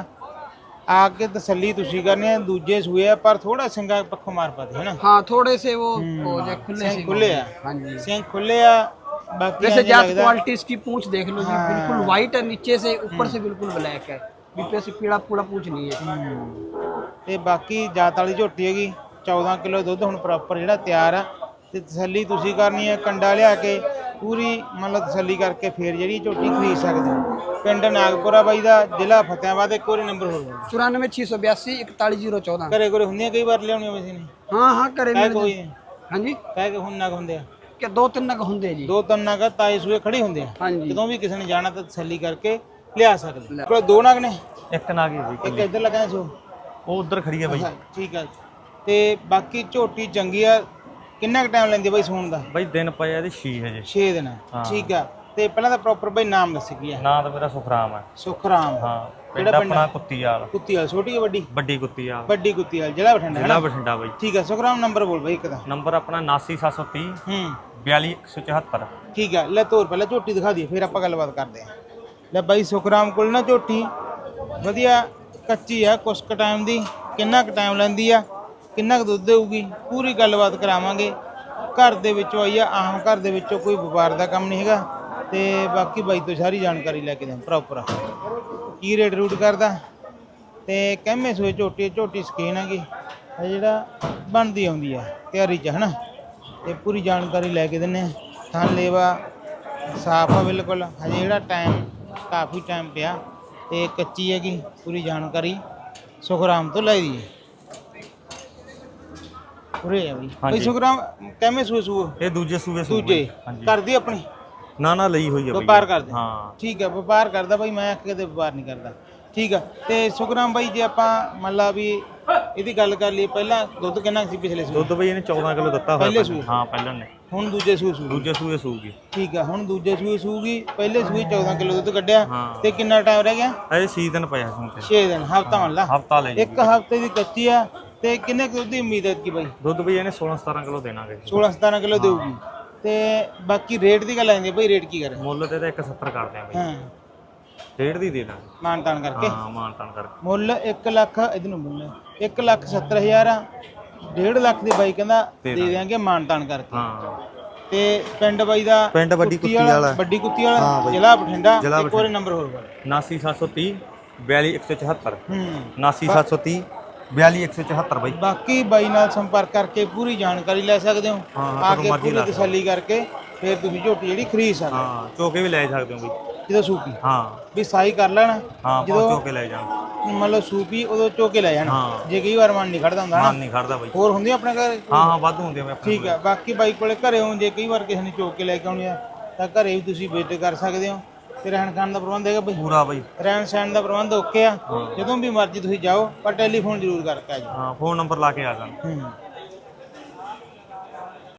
S1: ਆ ਕੇ ਤਸੱਲੀ ਤੁਸੀਂ ਕਰਨੀ ਹੈ। ਦੂਜੇ ਸੂਏ ਆ ਪਰ ਥੋੜਾ ਸਿੰਘਾ ਪੱਖੋਂ ਮਾਰ ਪਾਦੇ ਹੈ ਨਾ।
S9: हाँ थोड़े से वो हो जाए खुले से।
S1: ਖੁੱਲੇ ਆ।
S9: हाँ जी।
S1: ਸਿੰਘ ਖੁੱਲੇ ਆ। ਬਾਕੀ
S9: वैसे
S1: ਇੰਝ
S9: जात
S1: ਲੱਗਦਾ
S9: क्वालिटी इसकी पूंछ देख लो जी, बिल्कुल व्हाइट है नीचे से, ऊपर से बिल्कुल ब्लैक है, बीपे से पीला पूरा पूंछ नहीं है।
S1: ਤੇ ਬਾਕੀ ਜਾਤ ਵਾਲੀ ਝੋਟੀ ਹੈਗੀ। ਚੌਦਾਂ ਕਿਲੋ ਦੁੱਧ ਹੁਣ ਪ੍ਰੋਪਰ ਜਿਹੜਾ ਤਿਆਰ ਆ। ਤੇ ਤਸੱਲੀ ਤੁਸੀਂ ਕਰਨੀ ਹੈ। ਕੰਡਾ ਲਿਆ ਕੇ ਪੂਰੀ ਮਤਲਬ ਤਸੱਲੀ ਕਰਕੇ ਫੇਰ ਜਿਹੜੀ ਝੋਟੀ ਖਰੀਦ ਸਕਦੇ ਹੋ। ਪਿੰਡ ਨਾਗਪੁਰਾ ਬਾਈ ਦਾ, ਜ਼ਿਲ੍ਹਾ ਫਤਿਆਬਾਦ। ਇੱਕ ਵਾਰੀ ਨੰਬਰ ਹੋਰ ਬੋਲੋ।
S9: चौरानवे छः सौ बयासी इकतालीस जीरो चौदह।
S1: ਘਰੇ ਘਰੇ ਹੁੰਦੀਆਂ ਕਈ ਵਾਰ ਲਿਆਉਣੀਆਂ ਵੈਸੇ ਨੇ?
S9: हाँ हाँ करे
S1: ਕਹਿ
S9: मेरे
S1: ਕੋਈ
S9: जी।
S1: ਨਹੀਂ
S9: हाँ जी,
S1: ਕਹਿ ਕੇ ਹੁਣ ਨਗ ਹੁੰਦੇ ਆ।
S9: क्या दो तीन नग होंगे जी।
S1: ਦੋ ਤਿੰਨ ਨਗ ਤਾਏ ਸੂਏ ਖੜੇ ਹੁੰਦੇ ਆ।
S9: हाँ जी।
S1: ਜਦੋਂ ਵੀ ਕਿਸੇ ਨੇ ਜਾਣਾ ਤਾਂ ਤਸੱਲੀ ਕਰਕੇ ਲਿਆ ਸਕਦੇ। ਕੋਲ ਦੋ ਨਗ ਨੇ?
S10: ਇੱਕ ਨਾਗ ਹੀ ਜੀ,
S1: ਇੱਕ ਇੱਧਰ ਲੱਗਾ ਸੋ
S10: ਉਹ ਉਧਰ ਖੜੀ ਹੈ ਬਾਈ।
S1: ਠੀਕ ਆ। ਤੇ ਬਾਕੀ ਝੋਟੀ ਚੰਗੀ ਆ। ਕਿੰਨਾ ਕੁ ਟਾਈਮ ਲੈਂਦੀ ਬਾਈ ਸੂਣ ਦਾ?
S10: ਬਾਈ ਦਿਨ ਪਏ ਇਹਦੇ ਛੇ ਹਜੇ।
S1: ਛੇ ਦਿਨ। ਠੀਕ ਆ। ਤੇ ਪਹਿਲਾਂ ਤਾਂ ਪ੍ਰੋਪਰ ਬਾਈ ਨਾਮ ਦੱਸ ਕੀ ਆ?
S10: ਨਾਂ ਤਾਂ ਮੇਰਾ ਸੁਖਰਾਮ ਹੈ।
S1: ਸੁਖਰਾਮ।
S10: ਹਾਂ। ਪਿੰਡ
S1: ਕਿਹੜਾ ਪਿੰਡ?
S10: ਆਪਣਾ ਕੁੱਤੀਵਾਲ।
S1: ਕੁੱਤੀਵਾਲ। ਛੋਟੀ ਕਿ ਵੱਡੀ?
S10: ਵੱਡੀ ਕੁੱਤੀਵਾਲ।
S1: ਵੱਡੀ ਕੁੱਤੀਵਾਲ, ਜ਼ਿਲ੍ਹਾ ਬਠਿੰਡਾ ਹੈ
S10: ਜ਼ਿਲ੍ਹਾ
S1: ਨਾ?
S10: ਬਠਿੰਡਾ ਬਾਈ।
S1: ਠੀਕ ਆ। ਸੁਖਰਾਮ ਨੰਬਰ ਬੋਲ ਬਾਈ ਇੱਕ ਦਾ।
S10: ਨੰਬਰ ਆਪਣਾ ਉਨਾਸੀ ਸੱਤ ਸੌ ਤੀਹ
S1: ਹੂੰ
S10: ਬਿਆਲੀ ਇੱਕ ਸੌ ਚੁਹੱਤਰ।
S1: ਠੀਕ ਆ। ਲੈ ਤੋਰ ਪਹਿਲਾਂ ਝੋਟੀ ਦਿਖਾ ਦਈਏ ਫਿਰ ਆਪਾਂ ਗੱਲਬਾਤ ਕਰਦੇ ਹਾਂ। ਲੈ ਬਾਈ ਸੁਖਰਾਮ ਕੋਲ ਨਾ ਝੋਟੀ ਵਧੀਆ ਕੱਚੀ ਆ। ਕੁਛ ਕੁ ਟਾਈਮ ਦੀ। ਕਿੰਨਾ ਕੁ ਟਾਈਮ ਲੈਂਦੀ ਆ, ਕਿੰਨਾ ਕੁ ਦੁੱਧ ਦੇਊਗੀ, ਪੂਰੀ ਗੱਲਬਾਤ ਕਰਾਵਾਂਗੇ। ਘਰ ਦੇ ਵਿੱਚੋਂ ਆਈ ਆ। ਆਮ ਘਰ ਦੇ ਵਿੱਚੋਂ ਕੋਈ ਵਪਾਰ ਦਾ ਕੰਮ ਨਹੀਂ ਹੈਗਾ। ਤੇ ਬਾਕੀ ਬਾਈ ਤੋਂ ਸਾਰੀ ਜਾਣਕਾਰੀ ਲੈ ਕੇ ਦੇ ਪ੍ਰੋਪਰ ਕੀ ਰੇਟ ਰੂਟ ਕਰਦਾ। ਤੇ ਕਹਿਮੇ ਸੋਏ ਝੋਟੀ ਝੋਟੀ ਸਕੀਨ ਹੈਗੀ ਇਹ ਜਿਹੜਾ ਬਣਦੀ ਆਉਂਦੀ ਆ ਤਿਆਰੀ 'ਚ ਹੈ ਨਾ। ਤੇ ਪੂਰੀ ਜਾਣਕਾਰੀ ਲੈ ਕੇ ਦਿੰਦੇ ਹਾਂ। ਥਣ ਲੇਵਾ ਸਾਫ ਆ ਬਿਲਕੁਲ। ਹਜੇ ਜਿਹੜਾ ਟਾਈਮ ਕਾਫੀ ਟਾਈਮ ਪਿਆ ਤੇ ਕੱਚੀ ਹੈਗੀ। ਪੂਰੀ ਜਾਣਕਾਰੀ ਸੁਖਰਾਮ ਤੋਂ ਲੈ ਦਈਏ। ਉਰੇ ਆ ਬਈ। ਬਈ ਸੁਖਰਾਮ ਕਿਵੇਂ ਸੂਏ ਸੂਏ?
S10: ਇਹ ਦੂਜੇ ਸੂਏ ਸੂਏ
S1: ਦੂਜੇ ਕਰਦੀ ਆਪਣੀ?
S10: ਨਾ ਨਾ ਲਈ ਹੋਈ ਹੈ ਬਾਈ।
S1: ਵਪਾਰ ਕਰਦੇ?
S10: ਹਾਂ।
S1: ਠੀਕ ਹੈ, ਵਪਾਰ ਕਰਦਾ ਬਾਈ। ਮੈਂ ਕਦੇ ਵਪਾਰ ਨਹੀਂ ਕਰਦਾ। ਠੀਕ ਆ। ਤੇ ਸੁਖਰਾਮ ਬਾਈ ਜੇ ਆਪਾਂ ਮੰਨ ਲਾ ਵੀ ਇਹਦੀ ਗੱਲ ਕਰ ਲਈਏ, ਪਹਿਲਾਂ ਦੁੱਧ ਕਿੰਨਾ ਸੀ ਪਿਛਲੇ ਸੂਏ?
S10: ਦੁੱਧ ਬਾਈ ਇਹਨੇ ਚੌਦਾਂ ਕਿਲੋ ਦਿੱਤਾ ਹੋਇਆ
S1: ਪਹਿਲੇ ਸੂਏ?
S10: ਹਾਂ ਪਹਿਲਾਂ ਨੇ।
S1: ਹੁਣ ਦੂਜੇ ਸੂਏ ਸੂ?
S10: ਦੂਜੇ ਸੂਏ ਸੂਗੀ।
S1: ਠੀਕ ਆ। ਹੁਣ ਦੂਜੇ ਸੂਏ ਸੂਗੀ। ਪਹਿਲੇ ਸੂਏ ਚੌਦਾਂ ਕਿਲੋ ਦੁੱਧ ਕੱਢਿਆ।
S10: ਹਾਂ।
S1: ਤੇ ਕਿੰਨਾ ਟਾਈਮ ਰਹਿ ਗਿਆ?
S10: ਅਜੇ ਛੇ ਦਿਨ ਪਿਆ ਸੁਣ ਕੇ।
S1: ਛੇ ਦਿਨ। ਹਫਤਾ ਮੰਨ ਲਾ।
S10: ਹਫਤਾ ਲੈ
S1: ਇੱਕ ਹਫਤੇ ਦੀ ਕੱਚੀ ਆ। ਤੇ ਕਿੰਨੇ ਕੁ ਦੁੱਧ ਦੀ ਉਮੀਦ ਹੈ ਕੀ ਬਾਈ?
S10: ਦੁੱਧ ਬਾਈ ਇਹਨੇ ਸੋਲਾਂ ਸਤਾਰਾਂ ਕਿਲੋ ਦੇਣਾਗੇ।
S1: ਸੋਲਾਂ ਸਤਾਰਾਂ ਕਿਲੋ ਦੇਊਗੀ। ਤੇ ਬਾਕੀ ਰੇਟ ਦੀ ਗੱਲ ਆਉਂਦੀ ਹੈ ਬਾਈ, ਰੇਟ ਕੀ ਕਰੇ?
S10: ਮੁੱਲ ਤੇ ਤਾਂ ਇੱਕ ਸੱਤਰ ਕਰਦੇ ਆ ਬਾਈ।
S1: ਹਾਂ।
S10: ਡੇਢ ਦੀ ਦੇ ਦਾਂਗੇ
S1: ਮਾਨ ਤਾਨ ਕਰਕੇ।
S10: ਹਾਂ ਮਾਨ ਤਾਨ ਕਰਕੇ।
S1: ਮੁੱਲ ਇੱਕ ਲੱਖ ਇਹਦੇ ਨੂੰ ਮੁੱਲ ਇੱਕ ਲੱਖ ਸੱਤਰ ਹਜ਼ਾਰ ਆ। ਡੇਢ ਲੱਖ ਦੀ ਬਾਈ ਕਹਿੰਦਾ ਦੇ ਦਿਆਂਗੇ ਮਾਨ ਤਾਨ ਕਰਕੇ।
S10: ਹਾਂ।
S1: ਤੇ ਪਿੰਡ ਬਾਈ ਦਾ
S10: ਪਿੰਡ ਵੱਡੀ ਕੁੱਤੀ ਵਾਲਾ।
S1: ਵੱਡੀ ਕੁੱਤੀ ਵਾਲਾ, ਜ਼ਿਲ੍ਹਾ ਬਠਿੰਡਾ।
S10: ਜ਼ਿਲ੍ਹਾ
S1: ਇੱਕ ਵਾਰੀ ਨੰਬਰ ਹੋਰ ਬੋਲ।
S10: ਉਨਾਸੀ ਸੱਤ ਸੌ ਤੀਹ बयाली एक सौ चौहत्तर
S1: ਹੂੰ
S10: उनासी सात सौ तीस बयाली एक सौ चौहत्तर भाई।
S1: ਬਾਕੀ ਬਾਈ ਨਾਲ ਸੰਪਰਕ ਕਰਕੇ ਪੂਰੀ ਜਾਣਕਾਰੀ ਲੈ ਸਕਦੇ ਹੋ
S10: ਹਾਂ,
S1: ਆ
S10: ਕਦੋਂ
S1: ਕੇ
S10: ਮਰਜ਼ੀ
S1: ਪੂਰੀ
S10: ਲਾ ਸਕਦੇ
S1: ਤਸੱਲੀ ਕਰਕੇ ਫਿਰ ਤੁਸੀਂ ਝੋਟੀ ਜਿਹੜੀ ਖਰੀਦ ਸਕਦੇ ਹੋ।
S10: हाँ चौके भी ले सकते हो भाई।
S1: ਜਦੋਂ ਸੂਪੀ
S10: हाँ
S1: ਵੀ ਸਾਈ ਕਰ ਲੈਣਾ
S10: हाँ
S1: ਜਦੋਂ
S10: चौके ले जाना
S1: ਮੰਨ ਲਓ ਸੂਪੀ ਉਦੋਂ ਚੋਕੇ ਲੈ ਜਾਣਾ
S10: ਹਾਂ।
S1: ਜੇ ਕਈ ਵਾਰ ਮਨ ਨਹੀਂ ਖੜਦਾ ਹੁੰਦਾ
S10: मान
S1: ਨਾ
S10: नहीं खड़ता भाई।
S1: ਹੋਰ ਹੁੰਦੀ ਆਪਣੇ ਘਰ
S10: हाँ हाँ वाधू होंगे मैं अपने
S1: ਠੀਕ ਹੈ ਬਾਕੀ ਬਾਈ ਕੋਲੇ ਘਰੇ ਹੋ ਜੇ ਕਈ ਵਾਰ ਕਿਸੇ ਨੇ ਚੋਕ ਕੇ ਲੈ ਕੇ ਆਉਣੀ ਆ ਤਾਂ ਘਰੇ ਵੀ ਤੁਸੀਂ ਵਿਜ਼ਿਟ ਕਰ ਸਕਦੇ ਹੋ ਤੇ ਰਹਿਣ ਖਾਣ ਦਾ ਪ੍ਰਬੰਧ ਹੈਗਾ ਬਈ
S10: पूरा भाई।
S1: ਰਹਿਣ ਸਹਿਣ ਦਾ ਪ੍ਰਬੰਧ ਓਕੇ ਆ ਜਦੋਂ ਵੀ ਮਰਜ਼ੀ ਤੁਸੀਂ ਜਾਓ ਪਰ ਟੈਲੀਫੋਨ ਜ਼ਰੂਰ ਕਰਕੇ ਆ ਜਾਓ
S10: हाँ फोन नंबर ला के आ जाना।
S1: ਹੂੰ